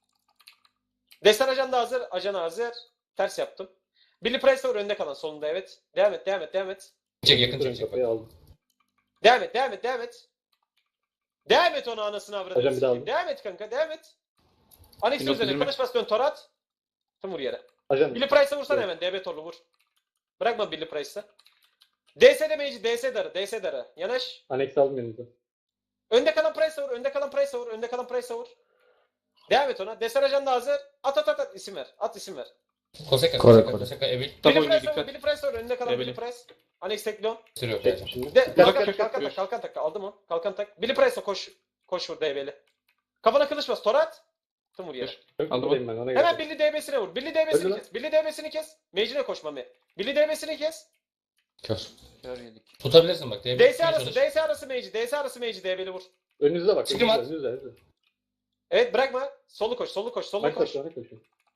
Speaker 1: Destan ajan da hazır. Ajan hazır. Ters yaptım. Billy Price vur önde kalan solunda evet. Devam et, devam et, devam et.
Speaker 7: Çek yakın
Speaker 4: Durun
Speaker 7: çek çek.
Speaker 4: kafayı aldım.
Speaker 1: Devam et, devam et, devam et. Devam et onu anasını avradını.
Speaker 4: Hocam bir daha
Speaker 1: sikeyim. Devam et kanka, devam et. Anex'in
Speaker 2: Yok,
Speaker 1: üzerine
Speaker 2: üzülme.
Speaker 1: kılıç bas dön Torat. Tüm vur yere.
Speaker 4: Ajan.
Speaker 1: Billy Price'a vursana
Speaker 4: Evet.
Speaker 1: hemen. D B torlu vur. Bırakma Billy Price'ı. D S demeyici, D S darı, D S darı. Yanaş.
Speaker 4: Annex aldım yanınıza.
Speaker 1: Önde kalan Price'a vur, önde kalan Price'a vur, önde kalan Price'a vur. Devam et ona. Destan ajan da hazır. At at at at isim ver. At isim ver.
Speaker 7: Koseka
Speaker 6: Kore,
Speaker 7: Koseka
Speaker 6: Kore.
Speaker 7: Koseka Evil.
Speaker 2: Tabii
Speaker 1: Billy
Speaker 2: oyuna
Speaker 1: Price'a vur,
Speaker 2: dikkat.
Speaker 1: Billy Price'a vur, önde kalan
Speaker 2: Ebeli.
Speaker 1: Billy Price. Annex teklon.
Speaker 7: Sürüyor
Speaker 4: Çektim
Speaker 7: zaten.
Speaker 4: şimdi.
Speaker 1: De kalkan
Speaker 2: Kalkan,
Speaker 1: tak, kalkan
Speaker 2: buyur.
Speaker 1: tak, kalkan tak. Aldım onu. Kalkan tak. Billy Price'a koş. Koş vur D B'li. Kafana kılıç bas. Torat. Tüm vur yere.
Speaker 4: Çok
Speaker 2: Aldım.
Speaker 4: buradayım ben ona
Speaker 1: Hemen
Speaker 4: göre.
Speaker 1: Billy D B'sine vur. Billy D B'sini
Speaker 4: Öldü
Speaker 1: kes. Billy D B'sini kes. Mage'ine koş Mami. Billy D B'sini kes.
Speaker 6: Kör.
Speaker 3: Kör yedik.
Speaker 7: Tutabilirsin bak. D B
Speaker 1: D S
Speaker 7: tutmaya
Speaker 1: arası,
Speaker 7: çalış.
Speaker 1: D S arası Mage. D S arası Mage D B'li vur.
Speaker 4: Önünüze bak.
Speaker 7: Çıkım
Speaker 4: önünüze,
Speaker 7: at.
Speaker 4: önünüze, önünüze.
Speaker 1: Evet bırakma. Solu koş, solu koş, solu
Speaker 4: Bak
Speaker 1: koş.
Speaker 4: koş, bak koş.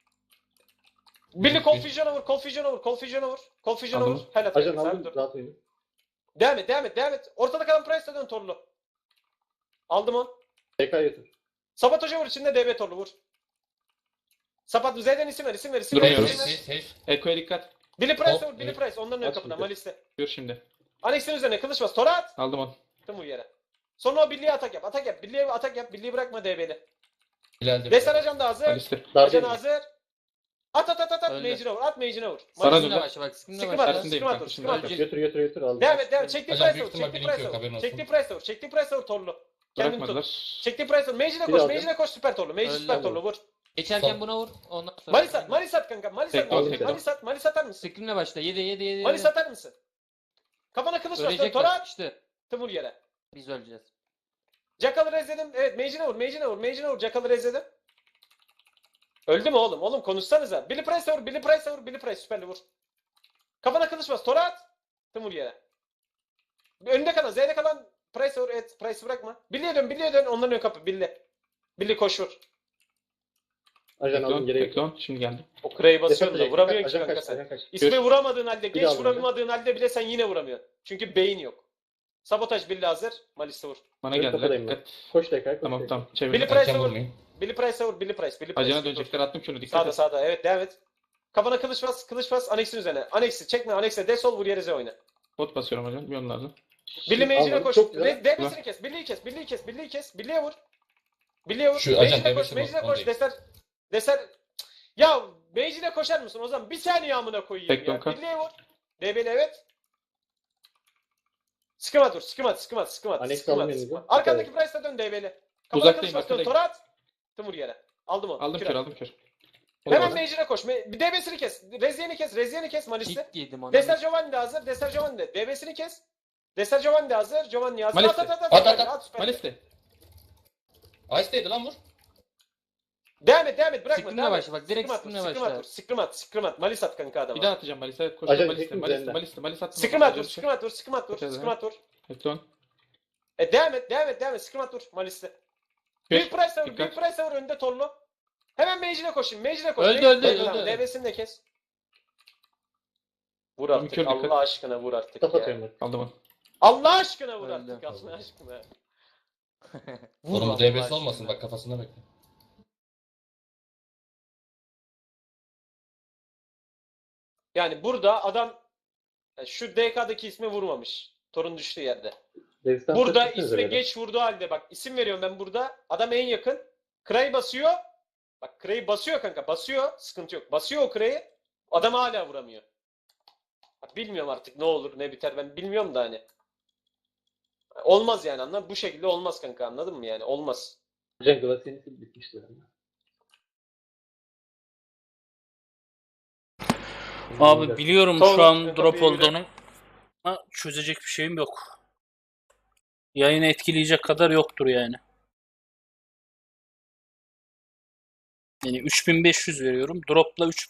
Speaker 1: Billy Confusion'a vur, Confusion'a vur, Confusion'a vur. Confusion'a vur.
Speaker 2: Aldım.
Speaker 1: Helal.
Speaker 4: Ajan
Speaker 1: Sen
Speaker 4: aldım.
Speaker 1: dur.
Speaker 4: Rahat oynayın.
Speaker 1: Devam et, devam et, devam et. Ortada kalan Price'la dön torlu. Aldım onu.
Speaker 4: T K yatır.
Speaker 1: Sabotaja vur içinde D B torlu vur. Sapat Z'den isim ver, isim ver, isim ver.
Speaker 2: Durmuyorum.
Speaker 1: isim ver.
Speaker 7: Safe, safe.
Speaker 2: Eko'ya dikkat.
Speaker 1: Billy Price'a
Speaker 7: Hop,
Speaker 1: vur, Billy
Speaker 7: evet.
Speaker 1: Price. Onların ön
Speaker 4: Aç
Speaker 1: kapına,
Speaker 4: şimdi.
Speaker 1: Malis'te.
Speaker 2: Gör şimdi.
Speaker 1: Annex'in üzerine kılıç bas. Torat.
Speaker 2: Aldım onu.
Speaker 1: Tüm vur yere. Sonra o Billy'ye atak yap, atak yap. Billy'ye atak yap, Billy'yi bırakma D B'li.
Speaker 7: Hilal'de.
Speaker 1: Destan ajan da hazır.
Speaker 2: Alistair.
Speaker 4: Daha
Speaker 1: Ajan
Speaker 4: değil.
Speaker 1: hazır. At at at at at.
Speaker 3: Öldü.
Speaker 1: Mage'ine vur, at Mage'ine vur.
Speaker 2: Sana
Speaker 1: Malis'te.
Speaker 2: dön.
Speaker 3: Sıkımda başla bak. Sıkımda
Speaker 1: Sıkım
Speaker 3: başla.
Speaker 1: at,
Speaker 2: Tersindeyim
Speaker 1: sıkım at,
Speaker 2: kanka,
Speaker 1: sıkım at.
Speaker 3: şimdi.
Speaker 4: Götür götür götür aldım.
Speaker 1: Devam et, devam et. Çektiği
Speaker 7: Ajan
Speaker 1: Price'a
Speaker 7: büyük
Speaker 1: vur,
Speaker 7: ihtimal
Speaker 1: çektiği
Speaker 7: blink
Speaker 1: Price'a
Speaker 7: yok,
Speaker 1: vur.
Speaker 7: haberin olsun.
Speaker 1: Çektiği Price'a vur, çektiği Price'a vur torlu. Kendin tut.
Speaker 2: Bırakmadılar.
Speaker 1: Çektiği Price'a vur. Mage'ine
Speaker 4: Bir
Speaker 1: koş,
Speaker 4: aldım.
Speaker 1: Mage'ine koş süper torlu. Mage
Speaker 3: Öldü.
Speaker 1: süper torlu vur.
Speaker 3: Geçerken
Speaker 7: Sol.
Speaker 3: buna vur. Ondan sonra.
Speaker 1: Malis at, Malis at kanka. Malis at,
Speaker 2: Tekrar,
Speaker 1: Malis,
Speaker 4: tekrar.
Speaker 1: Malis at, Malis atar mısın?
Speaker 3: Scream'le başla. yedi yedi yedi.
Speaker 1: Malis atar mısın? Kafana kılıç var.
Speaker 3: Ölecekler.
Speaker 1: Tora at.
Speaker 3: İşte.
Speaker 1: Vur yere.
Speaker 3: Biz öleceğiz.
Speaker 1: Jackal'ı rezledim. Evet, Mage'ine vur, Mage'ine vur, Mage'ine vur. Jackal'ı rezledim. Öldü mü oğlum? Oğlum konuşsanıza. Billy Price'a vur, Billy Price'a vur, Billy Price süperli vur. Kafana kılıç bas. Tora at. Vur yere. Önünde kalan, Z'de kalan Price'a vur. Evet, Price'ı bırakma. Billy'e dön, Billy'e dön. Onların ön kapı. Billy. Billy koş vur.
Speaker 4: Ajan aldım
Speaker 2: Beklon,
Speaker 4: geri götür.
Speaker 2: beklon. Şimdi geldi.
Speaker 1: O Kray'ı basıyorsun da
Speaker 4: Destek
Speaker 1: vuramıyorsun ki
Speaker 4: ajan
Speaker 1: kanka
Speaker 4: kaç,
Speaker 1: sen.
Speaker 4: ajan kaç.
Speaker 1: İsmi vuramadığın halde,
Speaker 4: Bir
Speaker 1: geç
Speaker 4: daha vur.
Speaker 1: vuramadığın halde bile sen yine vuramıyorsun. Çünkü beyin yok. Sabotaj Billy hazır. Malis'te vur.
Speaker 2: Bana
Speaker 4: Ön
Speaker 2: geldiler.
Speaker 4: kafadayım ben.
Speaker 2: Dikkat.
Speaker 4: Koş tekrar koş
Speaker 2: Tamam
Speaker 4: tekrar.
Speaker 2: tamam. Çevir.
Speaker 1: Billy
Speaker 7: Erken
Speaker 1: Price'a vur.
Speaker 7: vurmayın.
Speaker 1: Billy Price'a vur. Billy Price. Billy Price.
Speaker 2: Acına
Speaker 1: Dur.
Speaker 2: dönecekler. Attım şunu. Dikkat
Speaker 1: Sağda
Speaker 2: et.
Speaker 1: sağda. Evet devam et. Kafana kılıç bas. Kılıç bas. Anex'in üzerine. Anex'i çekme. Anex'e de sol vur yere Z oyna.
Speaker 2: Bot basıyorum hocam. Bir onun lazım.
Speaker 1: Billy Mage'ine
Speaker 4: Aldım,
Speaker 1: koş.
Speaker 4: çok güzel.
Speaker 1: D B'sini kes. Billy'yi kes. Billy'yi kes. Billy'yi kes. Billy'ye vur. Billy'ye vur.
Speaker 7: Şu ajan
Speaker 1: Mage'ine koş.
Speaker 7: D B'si
Speaker 1: Mage'ine
Speaker 7: bak,
Speaker 1: koş.
Speaker 7: onu
Speaker 1: Deser. Deser. Ya Mage'ine koşar mısın o zaman? Bir saniye amına koyayım
Speaker 2: Bekliyorum
Speaker 1: ya.
Speaker 2: kal.
Speaker 1: Billy'ye vur. D B'li evet. Sıkım at vur. Sıkım at. Sıkım at. Sıkım at.
Speaker 4: Annex
Speaker 1: Sıkım
Speaker 4: aldım
Speaker 1: at.
Speaker 4: elinize.
Speaker 1: sıkım at. Arkandaki Price'la dön D B'li. Kafana
Speaker 2: Uzaktayım,
Speaker 1: kılıç bas.
Speaker 2: arkadayım.
Speaker 1: Tora at. Tım vur yere. Aldım onu.
Speaker 2: Aldım
Speaker 1: Kür
Speaker 2: kör
Speaker 1: at.
Speaker 2: aldım kör. O da
Speaker 1: Hemen
Speaker 2: var.
Speaker 1: Mage'ine koş. Me- Bir D B'sini kes. Reziyen'i kes. Reziyen'i kes Malis'te.
Speaker 3: Hit yedim ona.
Speaker 1: Deser Giovanni de hazır. Deser Giovanni de. D B'sini kes. Deser Giovanni de hazır. Giovanni hazır.
Speaker 2: Malis'te.
Speaker 1: At at at.
Speaker 7: At, at, at.
Speaker 1: at süper.
Speaker 2: Malis'te.
Speaker 7: Ice'deydi lan vur.
Speaker 1: Devam et devam et. Bırakma.
Speaker 3: Scream'le
Speaker 1: devam et.
Speaker 3: başla, bak, direkt
Speaker 1: Scream at vur,
Speaker 3: scream'le
Speaker 1: scream at
Speaker 3: başla.
Speaker 1: vur, Scream at. Scream at. Malis at kanka adama.
Speaker 2: Bir daha atacağım Malis'e.
Speaker 4: Ajan
Speaker 2: Koştum Malis'te.
Speaker 4: teknik
Speaker 2: Malis'te.
Speaker 4: üzerinde.
Speaker 2: Malis'te. Malis'e attım.
Speaker 1: Scream at vur. Scream at vur. Scream at vur.
Speaker 2: Çok
Speaker 1: Scream at vur.
Speaker 2: Beklon.
Speaker 1: E devam et. Devam et. Devam et. Scream at vur. Malis'te. Büyük
Speaker 2: Kür.
Speaker 1: Price'a vur.
Speaker 2: Dikkat.
Speaker 1: Büyük Price'a vur. Önünde torlu. Hemen Mage'ine koşun. Mage'ine koş.
Speaker 3: Öldü,
Speaker 1: Mage'ine
Speaker 3: öldü,
Speaker 1: koş.
Speaker 3: öldü.
Speaker 1: D B'sini de kes. Vur
Speaker 2: Tamam,
Speaker 1: artık.
Speaker 2: kür dikkat.
Speaker 1: Allah aşkına vur artık
Speaker 4: Tap
Speaker 1: ya.
Speaker 4: atıyorum ben.
Speaker 2: Aldım onu.
Speaker 1: Allah aşkına vur
Speaker 3: Öldü.
Speaker 1: artık. Allah aşkına.
Speaker 3: Vur
Speaker 7: Oğlum bu
Speaker 3: Allah
Speaker 7: D B'si
Speaker 3: aşkına.
Speaker 7: olmasın bak kafasında bekle.
Speaker 1: Yani burada adam yani şu D K'daki ismi vurmamış. Torun düştüğü yerde.
Speaker 4: Rezistans
Speaker 1: Burada
Speaker 4: tepkisiniz
Speaker 1: isme
Speaker 4: öyle.
Speaker 1: geç vurduğu halde bak isim veriyorum ben burada. Adam en yakın. Kray basıyor. Bak Kray'ı basıyor kanka. Basıyor. Sıkıntı yok. Basıyor o Kray'ı. Adam hala vuramıyor. Bak, bilmiyorum artık ne olur ne biter ben bilmiyorum da hani. Olmaz yani anladın mı? Bu şekilde olmaz kanka anladın mı yani? Olmaz.
Speaker 4: Ajan Glacien'i bitmişti.
Speaker 8: Abi biliyorum
Speaker 1: Sonra
Speaker 8: şu an
Speaker 1: kapıyı
Speaker 8: drop
Speaker 1: yürü.
Speaker 8: olduğunu ama çözecek bir şeyim yok. Yayını etkileyecek kadar yoktur yani. Yani üç bin beş yüz veriyorum. Drop'la üç